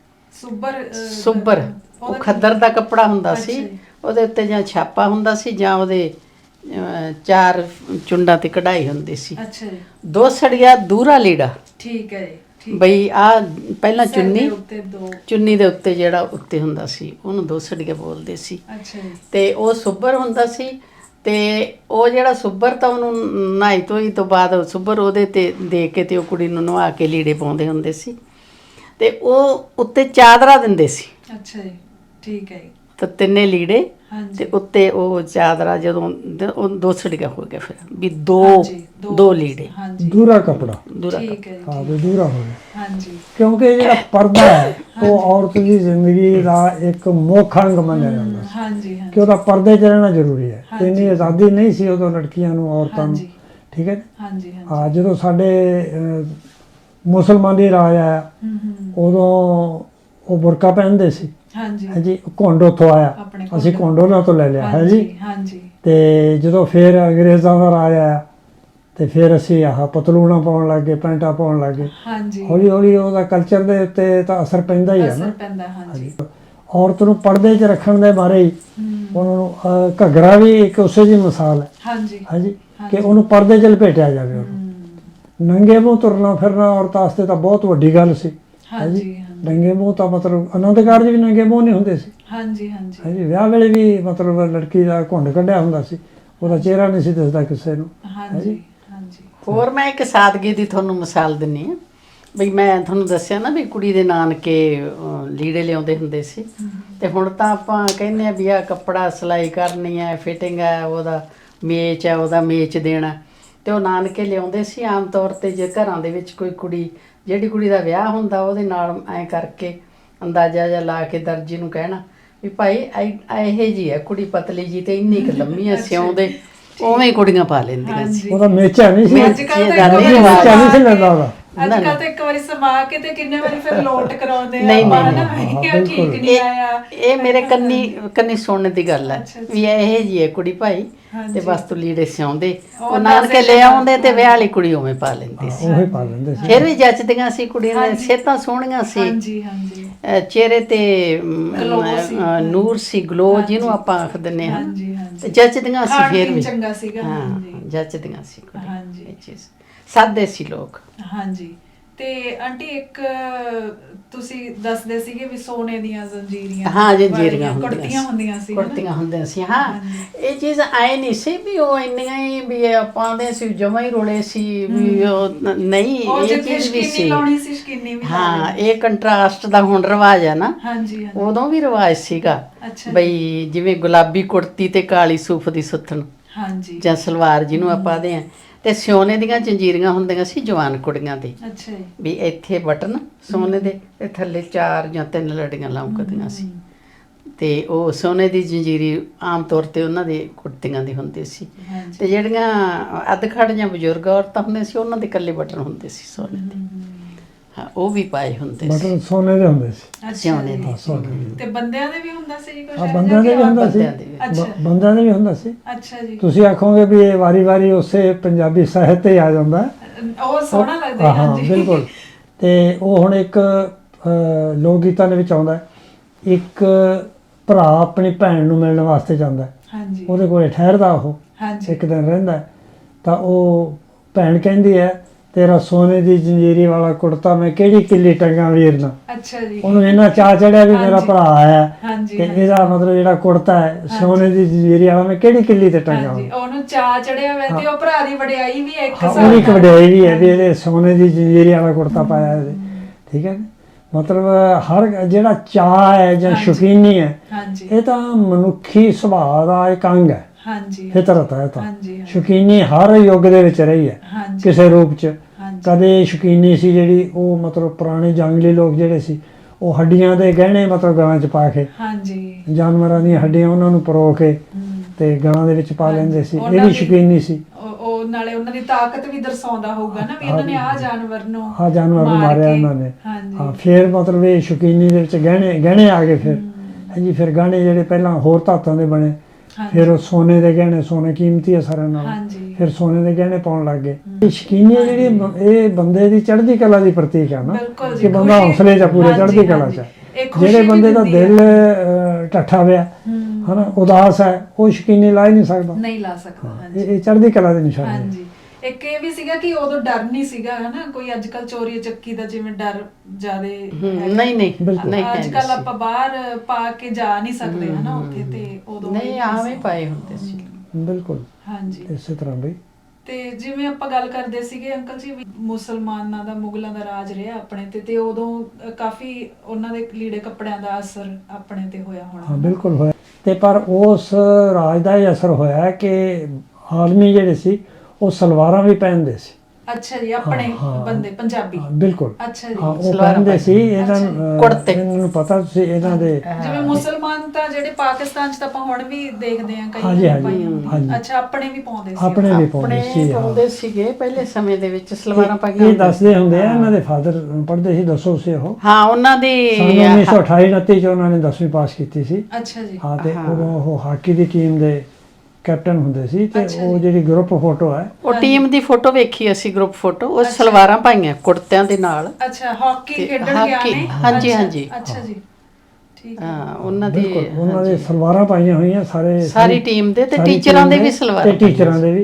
[SPEAKER 3] ਸੁੱਬਰ ਉਹ ਖੱਦਰ ਦਾ ਕੱਪੜਾ ਹੁੰਦਾ ਸੀ, ਉਹਦੇ ਉੱਤੇ ਜਾਂ ਛਾਪਾ ਹੁੰਦਾ ਸੀ ਜਾਂ ਉਹਦੇ 4 ਚੁੰਡਾਂ ਤੇ ਕਢਾਈ ਹੁੰਦੀ ਸੀ।
[SPEAKER 1] ਅੱਛਾ ਜੀ
[SPEAKER 3] ਦੋਸੜੀਆ ਦੂਰਾ ਲੀੜਾ।
[SPEAKER 1] ਠੀਕ ਹੈ ਜੀ
[SPEAKER 3] ਬਈ ਆ ਪਹਿਲਾਂ ਚੁੰਨੀ ਦੇ ਉੱਤੇ ਜਿਹੜਾ ਉੱਤੇ ਹੁੰਦਾ ਸੀ ਉਹਨੂੰ ਦੋਸੜੀਆ ਬੋਲਦੇ ਸੀ।
[SPEAKER 1] ਅੱਛਾ ਜੀ
[SPEAKER 3] ਤੇ ਉਹ ਸੁੱਬਰ ਹੁੰਦਾ ਸੀ, ਤੇ ਉਹ ਜਿਹੜਾ ਸੁੱਬਰ ਤਾਂ ਉਹਨੂੰ ਨਹਾਈ ਧੋਈ ਤੋਂ ਬਾਅਦ ਸੁੱਬਰ ਉਹਦੇ ਤੇ ਦੇ ਕੇ ਤੇ ਉਹ ਕੁੜੀ ਨੂੰ ਨਵਾ ਕੇ ਲੀੜੇ ਪਾਉਂਦੇ ਹੁੰਦੇ ਸੀ, ਤੇ ਉਹ ਉੱਤੇ ਚਾਦਰਾ ਦਿੰਦੇ ਸੀ।
[SPEAKER 1] ਅੱਛਾ ਜੀ ਠੀਕ ਹੈ ਜੀ
[SPEAKER 3] ਤਾਂ 3 ਲੀੜੇ
[SPEAKER 1] ਹਾਂਜੀ
[SPEAKER 3] ਤੇ ਉੱਤੇ ਉਹ ਚਾਦਰਾ, ਜਦੋਂ ਉਹ ਦੋਸੜੀਆ ਹੋ ਗਿਆ ਫਿਰ ਵੀ ਦੋ ਲੀੜੇ
[SPEAKER 1] ਹਾਂਜੀ
[SPEAKER 2] ਦੂਰਾ ਕੱਪੜਾ।
[SPEAKER 1] ਠੀਕ ਹੈ ਜੀ
[SPEAKER 2] ਹਾਂ ਵੀ ਦੂਰਾ ਹੋ ਗਿਆ,
[SPEAKER 1] ਹਾਂਜੀ
[SPEAKER 2] ਕਿਉਂਕਿ ਜਿਹੜਾ ਪਰਦਾ ਹੈ ਉਹ ਔਰਤ ਦੀ ਜ਼ਿੰਦਗੀ ਦਾ ਇੱਕ ਮੁੱਖ ਅੰਗ ਮੰਨਿਆ ਜਾਂਦਾ ਸੀ।
[SPEAKER 1] ਹਾਂਜੀ
[SPEAKER 2] ਕਿ
[SPEAKER 1] ਹਾਂਜੀ
[SPEAKER 2] ਉਹਦਾ ਪਰਦੇ 'ਚ ਰਹਿਣਾ ਜ਼ਰੂਰੀ ਹੈ। ਇੰਨੀ ਆਜ਼ਾਦੀ ਨਹੀਂ ਸੀ ਉਦੋਂ ਲੜਕੀਆਂ ਨੂੰ, ਔਰਤਾਂ ਨੂੰ। ਠੀਕ ਹੈ।
[SPEAKER 1] ਹਾਂਜੀ
[SPEAKER 2] ਹਾਂ, ਜਦੋਂ ਸਾਡੇ ਮੁਸਲਮਾਨੀ ਰਾਜ ਆਇਆ ਉਦੋਂ ਉਹ ਬੁਰਕਾ ਪਹਿਨਦੇ ਸੀ। ਹਾਂਜੀ ਘੁੰਡ ਉੱਥੋਂ ਆਇਆ, ਅਸੀਂ ਘੁੰਡ ਉਹਨਾਂ ਤੋਂ ਲੈ ਲਿਆ ਹੈ ਜੀ।
[SPEAKER 1] ਹਾਂਜੀ
[SPEAKER 2] ਤੇ ਜਦੋਂ ਫਿਰ ਅੰਗਰੇਜ਼ਾਂ ਦਾ ਰਾਜ ਆਇਆ ਤੇ ਫਿਰ ਅਸੀਂ ਆਹ ਪਤਲੂਣਾ ਪਾਉਣ ਲੱਗ ਗਏ, ਪੈਂਟਾਂ ਪਾਉਣ ਲੱਗ ਗਏ।
[SPEAKER 1] ਹਾਂਜੀ
[SPEAKER 2] ਹੌਲੀ ਹੌਲੀ ਉਹਦਾ ਕਲਚਰ ਦੇ ਉੱਤੇ ਤਾਂ ਅਸਰ ਪੈਂਦਾ ਹੀ ਹੈ ਨਾ।
[SPEAKER 1] ਹਾਂਜੀ
[SPEAKER 2] ਔਰਤ ਨੂੰ ਪਰਦੇ 'ਚ ਰੱਖਣ ਦੇ ਬਾਰੇ ਹੀ ਉਹਨਾਂ ਨੂੰ ਘੱਗਰਾ ਵੀ ਇੱਕ ਉਸੇ ਦੀ ਮਿਸਾਲ ਹੈ। ਹਾਂਜੀ ਕਿ ਉਹਨੂੰ ਪਰਦੇ 'ਚ ਲਪੇਟਿਆ ਜਾਵੇ ਉਹਨੂੰ। ਨੰਗੇ ਮੂੰਹ ਤੁਰਨਾ ਫਿਰਨਾ ਔਰਤਾਂ ਵਾਸਤੇ ਤਾਂ ਬਹੁਤ ਵੱਡੀ ਗੱਲ ਸੀ।
[SPEAKER 1] ਹਾਂਜੀ
[SPEAKER 2] ਨੰਗੇ ਮੂੰਹ ਤਾਂ ਮਤਲਬ ਆਨੰਦ ਕਾਰਜ ਵੀ ਨੰਗੇ ਮੂੰਹ ਨਹੀਂ ਹੁੰਦੇ ਸੀ।
[SPEAKER 1] ਹਾਂਜੀ
[SPEAKER 2] ਵਿਆਹ ਵੇਲੇ ਵੀ ਮਤਲਬ ਲੜਕੀ ਦਾ ਘੁੰਡ ਕੱਢਿਆ ਹੁੰਦਾ ਸੀ, ਉਹਦਾ ਚਿਹਰਾ ਨਹੀਂ ਸੀ ਦਿਸਦਾ ਕਿਸੇ ਨੂੰ।
[SPEAKER 1] ਹਾਂਜੀ
[SPEAKER 3] ਹੋਰ ਮੈਂ ਇੱਕ ਸਾਦਗੀ ਦੀ ਤੁਹਾਨੂੰ ਮਿਸਾਲ ਦਿੰਨੀ ਆ ਵੀ ਮੈਂ ਤੁਹਾਨੂੰ ਦੱਸਿਆ ਨਾ ਵੀ ਕੁੜੀ ਦੇ ਨਾਨਕੇ ਲੀੜੇ ਲਿਆਉਂਦੇ ਹੁੰਦੇ ਸੀ, ਤੇ ਹੁਣ ਤਾਂ ਆਪਾਂ ਕਹਿੰਦੇ ਆ ਵੀ ਆ ਕੱਪੜਾ ਸਿਲਾਈ ਕਰਨੀ ਹੈ, ਫਿਟਿੰਗ ਹੈ, ਉਹਦਾ ਮੇਚ ਹੈ, ਉਹਦਾ ਮੇਚ ਦੇਣਾ, ਤੇ ਉਹ ਨਾਨਕੇ ਲਿਆਉਂਦੇ ਸੀ। ਆਮ ਤੌਰ ਤੇ ਜੇ ਘਰਾਂ ਦੇ ਵਿੱਚ ਕੋਈ ਕੁੜੀ, ਜਿਹੜੀ ਕੁੜੀ ਦਾ ਵਿਆਹ ਹੁੰਦਾ, ਉਹਦੇ ਨਾਲ ਐਂ ਕਰਕੇ ਅੰਦਾਜ਼ਾ ਜਿਹਾ ਲਾ ਕੇ ਦਰਜੀ ਨੂੰ ਕਹਿਣਾ ਵੀ ਭਾਈ ਇਹੋ ਜੀ ਹੈ ਕੁੜੀ, ਪਤਲੀ ਜੀ ਤੇ ਇੰਨੀ ਕੁ ਲੰਮੀ ਆ, ਸਿਉਂਦੇ ਉਵੇਂ ਹੀ ਕੁੜੀਆਂ ਪਾ ਲੈਂਦੀਆਂ ਸੀ।
[SPEAKER 2] ਉਹਦਾ ਮੇਚਾ ਨਹੀਂ ਸੀ,
[SPEAKER 3] ਮੇਚੇ
[SPEAKER 2] ਮੇਚਾ ਨਹੀਂ ਸੀ ਲੈਂਦਾ ਉਹਦਾ।
[SPEAKER 1] ਅੱਜ ਕੱਲ ਤਾਂ ਇੱਕ ਵਾਰੀ ਸਮਾ ਕੇ ਤੇ ਕਿੰਨੇ ਵਾਰੀ ਫਿਰ ਲੋਟ ਕਰਾਉਂਦੇ ਆ।
[SPEAKER 3] ਨਹੀਂ
[SPEAKER 1] ਠੀਕ ਨਹੀਂ ਆਇਆ।
[SPEAKER 3] ਇਹ ਮੇਰੇ ਕੰਨੀ ਸੁਣਨ ਦੀ ਗੱਲ ਹੈ ਵੀ ਇਹ ਜੀ ਹੈ ਕੁੜੀ ਭਾਈ, ਤੇ ਬਸ ਤੂੰ ਲੀੜੇ ਸਿਉਂਦੇ, ਉਹ ਨਾਨਕੇ ਲੈ ਆਉਂਦੇ ਤੇ ਵਿਆਹ ਵਾਲੀ ਕੁੜੀ ਉਵੇਂ ਪਾ ਲੈਂਦੀ ਸੀ।
[SPEAKER 2] ਉਹੀ ਪਾ ਲੈਂਦੇ ਸੀ।
[SPEAKER 3] ਫਿਰ ਵੀ ਜੱਚਦੀਆਂ ਸੀ ਕੁੜੀਆਂ ਦੀਆਂ, ਸਿਹਤਾਂ ਸੋਹਣੀਆਂ ਸੀ, ਚਿਹਰੇ ਤੇ ਨੂਰ ਸੀ, ਗਲੋ ਜਿਹਨੂੰ ਆਪਾਂ ਆਖ ਦਿੰਦੇ ਹਾਂ, ਤੇ ਜੱਚਦੀਆਂ ਸੀ। ਫਿਰ ਵੀ ਹਾਂ, ਜੱਚਦੀਆਂ ਸੀ ਕੁੜੀਆਂ, ਇਹ ਚੀਜ਼ ਸਾਦੇ ਸੀ ਲੋਕ।
[SPEAKER 1] ਹਾਂਜੀ। ਤੇ ਆਂਟੀ ਇੱਕ ਤੁਸੀਂ ਦੱਸਦੇ ਸੀਗੇ ਵੀ ਸੋਨੇ ਦੀਆਂ ਜ਼ੰਜੀਰੀਆਂ,
[SPEAKER 3] ਹਾਂ ਜੰਜੀਰੀਆਂ
[SPEAKER 1] ਕੁੜਤੀਆਂ ਹੁੰਦੀਆਂ ਸੀ,
[SPEAKER 3] ਕੁੜਤੀਆਂ ਹੁੰਦੀਆਂ ਸੀ। ਹਾਂ, ਇਹ ਚੀਜ਼ ਆਏ ਨਹੀਂ ਸੀ ਵੀ ਉਹ ਇੰਨੀਆਂ ਹੀ ਵੀ ਪਾਉਂਦੇ ਸੀ, ਜਮਾਂ ਹੀ ਰੋਲੇ ਸੀ ਵੀ ਉਹ ਨਹੀਂ, ਇਹ ਚੀਜ਼ ਵੀ ਸੀ। ਹਾਂ, ਇਹ ਕੰਟਰਾਸਟ ਦਾ ਹੁਣ ਰਿਵਾਜ ਹੈ ਨਾ, ਉਦੋਂ ਵੀ ਰਿਵਾਜ ਸੀਗਾ ਬਈ ਜਿਵੇਂ ਗੁਲਾਬੀ ਕੁੜਤੀ ਤੇ ਕਾਲੀ ਸੂਫ ਦੀ ਸੁੱਥਣ ਜਾਂ ਸਲਵਾਰ ਜਿਹਨੂੰ ਆਪਾਂ ਦੇ ਆ, ਤੇ ਸੋਨੇ ਦੀਆਂ ਜੰਜੀਰੀਆਂ ਹੁੰਦੀਆਂ ਸੀ ਜਵਾਨ ਕੁੜੀਆਂ ਦੇ, ਵੀ ਇੱਥੇ ਬਟਨ ਸੋਨੇ ਦੇ ਤੇ ਥੱਲੇ 4 ਜਾਂ 3 ਲੜੀਆਂ ਲਮਕਦੀਆਂ ਸੀ, ਤੇ ਉਹ ਸੋਨੇ ਦੀ ਜੰਜੀਰੀ ਆਮ ਤੌਰ ਤੇ ਉਹਨਾਂ ਦੇ ਕੁੜਤੀਆਂ ਦੀ ਹੁੰਦੀ ਸੀ। ਤੇ ਜਿਹੜੀਆਂ ਅੱਧਖੜ ਜਾਂ ਬਜ਼ੁਰਗ ਔਰਤਾਂ ਹੁੰਦੀਆਂ ਸੀ, ਉਹਨਾਂ ਦੇ ਇਕੱਲੇ ਬਟਨ ਹੁੰਦੇ ਸੀ ਸੋਨੇ ਦੇ। ਹਾਂ, ਉਹ ਵੀ ਪਾਏ ਹੁੰਦੇ ਸੀ,
[SPEAKER 2] ਬਟਨ ਸੋਨੇ ਦੇ ਹੁੰਦੇ ਸੀ,
[SPEAKER 3] ਸੋਨੇ ਦੇ।
[SPEAKER 1] ਤੇ ਬੰਦਿਆਂ ਦੇ ਵੀ ਹੁੰਦਾ ਸੀ ਕੁਝ?
[SPEAKER 2] ਹਾਂ, ਬੰਦਿਆਂ ਦੇ ਵੀ ਹੁੰਦਾ ਸੀ, ਬੰਦਿਆਂ ਦੇ ਵੀ ਹੁੰਦਾ ਸੀ।
[SPEAKER 1] ਅੱਛਾ ਜੀ।
[SPEAKER 2] ਤੁਸੀਂ ਆਖੋਗੇ ਵੀ ਇਹ ਵਾਰੀ ਉਸੇ ਪੰਜਾਬੀ ਸਾਹਿਤ ਤੇ ਆ ਜਾਂਦਾ,
[SPEAKER 1] ਉਹ ਸੋਹਣਾ ਲੱਗਦਾ।
[SPEAKER 2] ਹਾਂ ਬਿਲਕੁਲ। ਤੇ ਉਹ ਹੁਣ ਇੱਕ ਲੋਕ ਗੀਤਾਂ ਦੇ ਵਿੱਚ ਆਉਂਦਾ, ਇੱਕ ਭਰਾ ਆਪਣੀ ਭੈਣ ਨੂੰ ਮਿਲਣ ਵਾਸਤੇ ਜਾਂਦਾ, ਉਹਦੇ ਕੋਲੇ ਠਹਿਰਦਾ, ਉਹ ਇੱਕ ਦਿਨ ਰਹਿੰਦਾ, ਤਾਂ ਉਹ ਭੈਣ ਕਹਿੰਦੀ ਹੈ ਤੇਰਾ ਸੋਨੇ ਦੀ ਜੰਜੀਰੀ ਵਾਲਾ ਕੁੜਤਾ ਮੈਂ ਕਿਹੜੀ ਕਿੱਲੀ ਟੰਗਾ ਵੀਰ ਨਾ।
[SPEAKER 1] ਅੱਛਾ ਜੀ।
[SPEAKER 2] ਉਹਨੂੰ ਇੰਨਾ ਚਾਅ ਚੜਿਆ ਵੀ ਮੇਰਾ ਭਰਾ ਆਇਆ, ਤੇ ਇਹਦਾ ਮਤਲਬ ਜਿਹੜਾ ਕੁੜਤਾ ਹੈ ਸੋਨੇ ਦੀ ਜੰਜੀਰੀ ਵਾਲਾ ਮੈਂ ਕਿਹੜੀ ਕਿੱਲੀ ਤੇ ਟੰਗਾ।
[SPEAKER 1] ਉਹਨੂੰ ਚਾਅ ਚੜਿਆ ਹੋਇਆ, ਤੇ ਉਹ ਭਰਾ ਦੀ ਵਡਿਆਈ ਵੀ ਹੈ ਇੱਕ
[SPEAKER 2] ਉਹਦੀ ਇੱਕ ਵਡਿਆਈ ਵੀ ਹੈ ਵੀ ਇਹਦੇ ਸੋਨੇ ਦੀ ਜੰਜੀਰੀ ਵਾਲਾ ਕੁੜਤਾ ਪਾਇਆ ਇਹਦੇ। ਠੀਕ ਹੈ, ਮਤਲਬ ਹਰ ਜਿਹੜਾ ਚਾਅ ਹੈ ਜਾਂ ਸ਼ੌਕੀਨੀ ਹੈ, ਇਹ ਤਾਂ ਮਨੁੱਖੀ ਸੁਭਾਅ ਦਾ ਇੱਕ ਅੰਗ ਹੈ, ਫਿਤਰਤ ਹੈ। ਤਾਂ ਸ਼ੌਕੀਨੀ ਹਰ ਯੁੱਗ ਦੇ ਵਿੱਚ ਰਹੀ ਹੈ ਕਿਸੇ ਰੂਪ 'ਚ। ਕਦੇ ਸ਼ੌਕੀਨੀ ਸੀ ਜਿਹੜੀ ਉਹ ਮਤਲਬ ਪੁਰਾਣੇ ਜੰਗਲੀ ਲੋਕ ਜਿਹੜੇ ਸੀ, ਉਹ ਹੱਡੀਆਂ ਦੇ ਗਹਿਣੇ ਮਤਲਬ ਗਲਾਂ 'ਚ ਪਾ ਕੇ, ਜਾਨਵਰਾਂ ਦੀਆਂ ਹੱਡੀਆਂ ਉਹਨਾਂ ਨੂੰ ਪਰੋ ਕੇ ਤੇ ਗਲਾਂ ਦੇ ਵਿੱਚ ਪਾ ਲੈਂਦੇ ਸੀ, ਇਹ ਵੀ ਸ਼ੌਕੀਨੀ ਸੀ।
[SPEAKER 1] ਉਹ ਨਾਲੇ ਉਹਨਾਂ ਦੀ ਤਾਕਤ ਵੀ ਦਰਸਾਉਂਦਾ ਹੋਊਗਾ ਨਾ ਵੀ ਇਹਨਾਂ ਨੇ ਆਹ ਜਾਨਵਰ ਨੂੰ
[SPEAKER 2] ਮਾਰਿਆ ਇਹਨਾਂ ਨੇ। ਹਾਂ, ਫਿਰ ਮਤਲਬ ਇਹ ਸ਼ੌਕੀਨੀ ਦੇ ਵਿੱਚ ਗਹਿਣੇ ਆ ਗਏ। ਫਿਰ ਹਾਂਜੀ, ਫਿਰ ਗਹਿਣੇ ਜਿਹੜੇ ਪਹਿਲਾਂ ਹੋਰ ਧਾਤਾਂ ਦੇ ਬਣੇ, ਫਿਰ ਉਹ ਸੋਨੇ ਦੇ ਗਹਿਣੇ, ਸੋਨੇ ਕੀਮਤੀ ਹੈ ਸਾਰਿਆਂ ਨਾਲੋਂ, ਫਿਰ ਸੋਨੇ ਦੇ ਗਹਿਣੇ ਪਾਉਣ ਲੱਗ ਗਏ। ਇਹ ਸ਼ੌਕੀਨੀ ਜਿਹੜੀ ਇਹ ਬੰਦੇ ਦੀ ਚੜ੍ਹਦੀ ਕਲਾ ਦੀ ਪ੍ਰਤੀਕ ਹੈ ਨਾ, ਕਿ ਬੰਦਾ ਹੌਸਲੇ 'ਚ ਪੂਰੇ ਚੜ੍ਹਦੀ ਕਲਾ 'ਚ। ਜਿਹੜੇ ਬੰਦੇ ਦਾ ਦਿਲ ਢੱਠਾ ਹੋਇਆ ਹਨਾ, ਉਦਾਸ ਹੈ, ਉਹ ਸ਼ੌਕੀਨੀ ਲਾ ਹੀ ਨਹੀਂ ਸਕਦਾ। ਇਹ ਚੜ੍ਹਦੀ ਕਲਾ ਦੀ ਨਿਸ਼ਾਨੀ ਹੈ।
[SPEAKER 1] ਇੱਕ ਇਹ ਵੀ ਸੀਗਾ ਕਿ ਉਦੋਂ ਡਰ ਨਹੀਂ ਸੀਗਾ ਹਨਾ, ਕੋਈ ਅੱਜ ਕੱਲ ਚੋਰੀ ਚੱਕੀ ਦਾ ਜਿਵੇਂ ਡਰ ਜ਼ਿਆਦੇ
[SPEAKER 3] ਨਹੀਂ,
[SPEAKER 1] ਅੱਜ ਕੱਲ ਆਪਾਂ ਬਾਹਰ ਪਾ ਕੇ ਜਾ ਨਹੀਂ ਸਕਦੇ ਹਨਾ ਉੱਥੇ, ਤੇ ਉਦੋਂ
[SPEAKER 3] ਨਹੀਂ ਆਵੇਂ ਪਾਏ ਹੁੰਦੇ ਸੀ।
[SPEAKER 2] ਬਿਲਕੁਲ।
[SPEAKER 1] ਹਾਂਜੀ,
[SPEAKER 2] ਇਸੇ ਤਰ੍ਹਾਂ ਬਈ।
[SPEAKER 1] ਤੇ ਜਿਵੇਂ ਆਪਾਂ ਗੱਲ ਕਰਦੇ ਸੀਗੇ ਅੰਕਲ ਜੀ, ਮੁਸਲਮਾਨਾਂ ਦਾ, ਮੁਗਲਾਂ ਦਾ ਰਾਜ ਰਿਹਾ ਆਪਣੇ ਤੇ ਉਦੋਂ ਕਾਫੀ ਉਹਨਾਂ ਦੇ ਲੀੜੇ ਕੱਪੜਿਆਂ ਦਾ ਅਸਰ ਆਪਣੇ ਤੇ ਹੋਇਆ ਹੋਣਾ।
[SPEAKER 2] ਹਾਂ ਬਿਲਕੁਲ ਹੋਇਆ, ਤੇ ਪਰ ਉਸ ਰਾਜ ਦਾ ਇਹ ਅਸਰ ਹੋਇਆ ਕਿ ਆਦਮੀ ਜਿਹੜੇ ਸੀ ਉਹ ਸਲਵਾਰਾਂ ਵੀ ਪਹਿਨਦੇ ਸੀ।
[SPEAKER 1] ਅੱਛਾ ਜੀ, ਆਪਣੇ ਬੰਦੇ ਪੰਜਾਬੀ।
[SPEAKER 2] ਬਿਲਕੁਲ।
[SPEAKER 1] ਅੱਛਾ ਜੀ,
[SPEAKER 2] ਉਹ ਪਹਿਨਦੇ ਸੀ। ਇਹਨਾਂ ਨੂੰ ਪਤਾ ਸੀ ਇਹਨਾਂ ਦੇ,
[SPEAKER 1] ਜਿਵੇਂ ਮੁਸਲਮਾਨ ਤਾਂ ਜਿਹੜੇ ਪਾਕਿਸਤਾਨ 'ਚ ਤਾਂ ਆਪਾਂ ਹੁਣ ਵੀ ਦੇਖਦੇ ਆਂ ਕਈ।
[SPEAKER 2] ਹਾਂਜੀ।
[SPEAKER 1] ਅੱਛਾ, ਆਪਣੇ ਵੀ ਪਾਉਂਦੇ ਸੀ।
[SPEAKER 2] ਆਪਣੇ ਵੀ ਪਾਉਂਦੇ
[SPEAKER 3] ਸੀਗੇ ਪਹਿਲੇ ਸਮੇਂ ਦੇ ਵਿੱਚ, ਸਲਵਾਰਾਂ ਪਾਈਆਂ।
[SPEAKER 2] ਇਹ ਦੱਸਦੇ ਹੁੰਦੇ ਆ, ਇਹਨਾਂ ਦੇ ਫਾਦਰ ਪੜ੍ਹਦੇ ਸੀ, ਦੱਸੋ ਸੀ ਉਹ।
[SPEAKER 3] ਹਾਂ, ਉਹਨਾਂ ਦੀ
[SPEAKER 2] 1928-29 'ਚ ਉਹਨਾਂ ਨੇ 10ਵੀਂ ਪਾਸ ਕੀਤੀ ਸੀ।
[SPEAKER 1] ਅੱਛਾ ਜੀ।
[SPEAKER 2] ਹਾਂ, ਤੇ ਉਹ ਹਾਕੀ ਦੀ ਟੀਮ ਦੇ ਕੈਪਟਨ ਹੁੰਦੇ ਸੀ। ਤੇ ਉਹ ਜਿਹੜੀ ਗਰੁੱਪ ਫੋਟੋ ਹੈ,
[SPEAKER 3] ਉਹ ਟੀਮ ਦੀ ਫੋਟੋ ਵੇਖੀ ਅਸੀਂ, ਗਰੁੱਪ ਫੋਟੋ, ਉਹ ਸਲਵਾਰਾਂ ਪਾਈਆਂ ਕੁੜਤਿਆਂ ਦੇ ਨਾਲ।
[SPEAKER 1] ਅੱਛਾ, ਹਾਕੀ ਖੇਡਣ ਗਿਆ ਨੇ।
[SPEAKER 3] ਹਾਂਜੀ।
[SPEAKER 1] ਅੱਛਾ ਜੀ, ਠੀਕ ਹੈ।
[SPEAKER 3] ਹਾਂ, ਉਹਨਾਂ ਦੇ
[SPEAKER 2] ਸਲਵਾਰਾਂ ਪਾਈਆਂ ਹੋਈਆਂ ਸਾਰੀ
[SPEAKER 3] ਟੀਮ ਦੇ, ਤੇ ਟੀਚਰਾਂ ਦੇ ਵੀ ਸਲਵਾਰਾਂ,
[SPEAKER 2] ਤੇ ਟੀਚਰਾਂ ਦੇ ਵੀ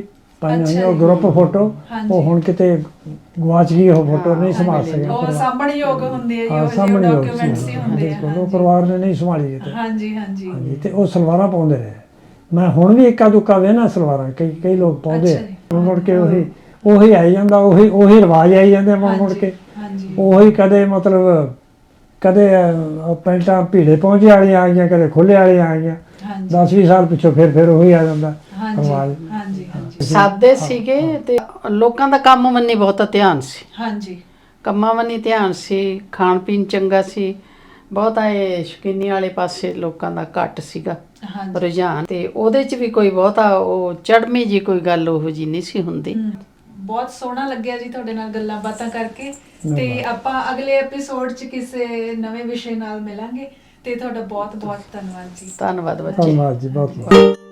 [SPEAKER 2] ਪਾਈਆਂ
[SPEAKER 1] ਅੱਛਾ
[SPEAKER 2] ਹੋਈਆਂ ਉਹ
[SPEAKER 1] ਜੀ।
[SPEAKER 2] ਗਰੁੱਪ ਫੋਟੋ
[SPEAKER 1] ਹਾਂਜੀ।
[SPEAKER 2] ਉਹ ਹੁਣ ਕਿਤੇ ਗਵਾਚ ਗਈ ਉਹ ਫੋਟੋ, ਨਹੀਂ ਸੰਭਾਲ ਸਕਿਆ
[SPEAKER 1] ਉਹ
[SPEAKER 2] ਪਰਿਵਾਰ।
[SPEAKER 1] ਸਾਂਭਣ ਯੋਗ ਹੁੰਦੇ ਆ ਜੀ,
[SPEAKER 2] ਹਾਂ,
[SPEAKER 1] ਉਹ
[SPEAKER 2] ਸਾਂਭਣ ਯੋਗ
[SPEAKER 1] ਡਾਕੂਮੈਂਟਸ ਹੀ ਹੁੰਦੇ ਆ।
[SPEAKER 2] ਬਿਲਕੁਲ, ਉਹ ਪਰਿਵਾਰ ਨੇ ਨਹੀਂ ਸੰਭਾਲੀ ਕਿਤੇ।
[SPEAKER 1] ਹਾਂਜੀ ਹਾਂਜੀ
[SPEAKER 2] ਹਾਂਜੀ, ਤੇ ਉਹ ਸਲਵਾਰਾਂ ਪਾਉਂਦੇ ਰਹੇ। ਮੈਂ ਹੁਣ ਵੀ ਇੱਕਾ ਦੁੱਕਾ ਵੇਖਣਾ ਸਲਵਾਰਾਂ, ਕਈ ਲੋਕ ਪਾਉਂਦੇ ਆ।
[SPEAKER 1] ਅੱਛਾ ਜੀ।
[SPEAKER 2] ਮੁੜ ਕੇ ਉਹੀ ਆਈ ਜਾਂਦਾ, ਉਹੀ ਰਿਵਾਜ ਆਈ ਜਾਂਦੇ ਮੁੜ ਕੇ।
[SPEAKER 1] ਹਾਂਜੀ
[SPEAKER 2] ਉਹੀ ਕਦੇ ਮਤਲਬ ਕਦੇ ਪੈਂਟਾਂ ਭੀੜੇ ਪਹੁੰਚੇ ਵਾਲੀਆਂ ਆ ਗਈਆਂ, ਕਦੇ ਖੁੱਲੇ ਵਾਲੀਆਂ ਆ ਗਈਆਂ।
[SPEAKER 1] ਹਾਂਜੀ
[SPEAKER 2] 10-20 ਸਾਲ ਪਿੱਛੋਂ ਫਿਰ ਉਹੀ ਆ ਜਾਂਦਾ
[SPEAKER 1] ਹਾਂਜੀ
[SPEAKER 2] ਰਿਵਾਜ।
[SPEAKER 1] ਹਾਂਜੀ ਹਾਂਜੀ
[SPEAKER 3] ਸਾਦੇ ਸੀਗੇ ਤੇ ਲੋਕਾਂ ਦਾ ਕੰਮ ਮੰਨੀ ਬਹੁਤਾ ਧਿਆਨ ਸੀ,
[SPEAKER 1] ਹਾਂਜੀ
[SPEAKER 3] ਕੰਮਾਂ ਮੰਨੀ ਧਿਆਨ ਸੀ, ਖਾਣ ਪੀਣ ਚੰਗਾ ਸੀ, ਬਹੁਤਾ ਇਹ ਸ਼ੌਕੀਨੀ ਵਾਲੇ ਪਾਸੇ ਲੋਕਾਂ ਦਾ ਘੱਟ ਸੀਗਾ
[SPEAKER 1] ਹਾਂਜੀ
[SPEAKER 3] ਰੁਝਾਨ। ਤੇ ਉਹਦੇ 'ਚ ਵੀ ਕੋਈ ਬਹੁਤਾ ਉਹ ਚੜ੍ਹਮੀ ਜੀ ਕੋਈ ਗੱਲ ਉਹੋ ਜੀ ਨਹੀਂ ਸੀ ਹੁੰਦੀ।
[SPEAKER 1] ਬਹੁਤ ਸੋਹਣਾ ਲੱਗਿਆ ਜੀ ਤੁਹਾਡੇ ਨਾਲ ਗੱਲਾਂ ਬਾਤਾਂ ਕਰਕੇ। ਤੇ
[SPEAKER 2] ਧੰਨਵਾਦ।
[SPEAKER 1] ਆਪਾਂ ਅਗਲੇ ਐਪੀਸੋਡ 'ਚ ਕਿਸੇ ਨਵੇਂ ਵਿਸ਼ੇ ਨਾਲ ਮਿਲਾਂਗੇ। ਤੇ ਤੁਹਾਡਾ ਬਹੁਤ ਬਹੁਤ ਧੰਨਵਾਦ ਜੀ।
[SPEAKER 3] ਧੰਨਵਾਦ ਬੱਚੇ।
[SPEAKER 2] ਧੰਨਵਾਦ ਜੀ, ਬਹੁਤ ਬਹੁਤ।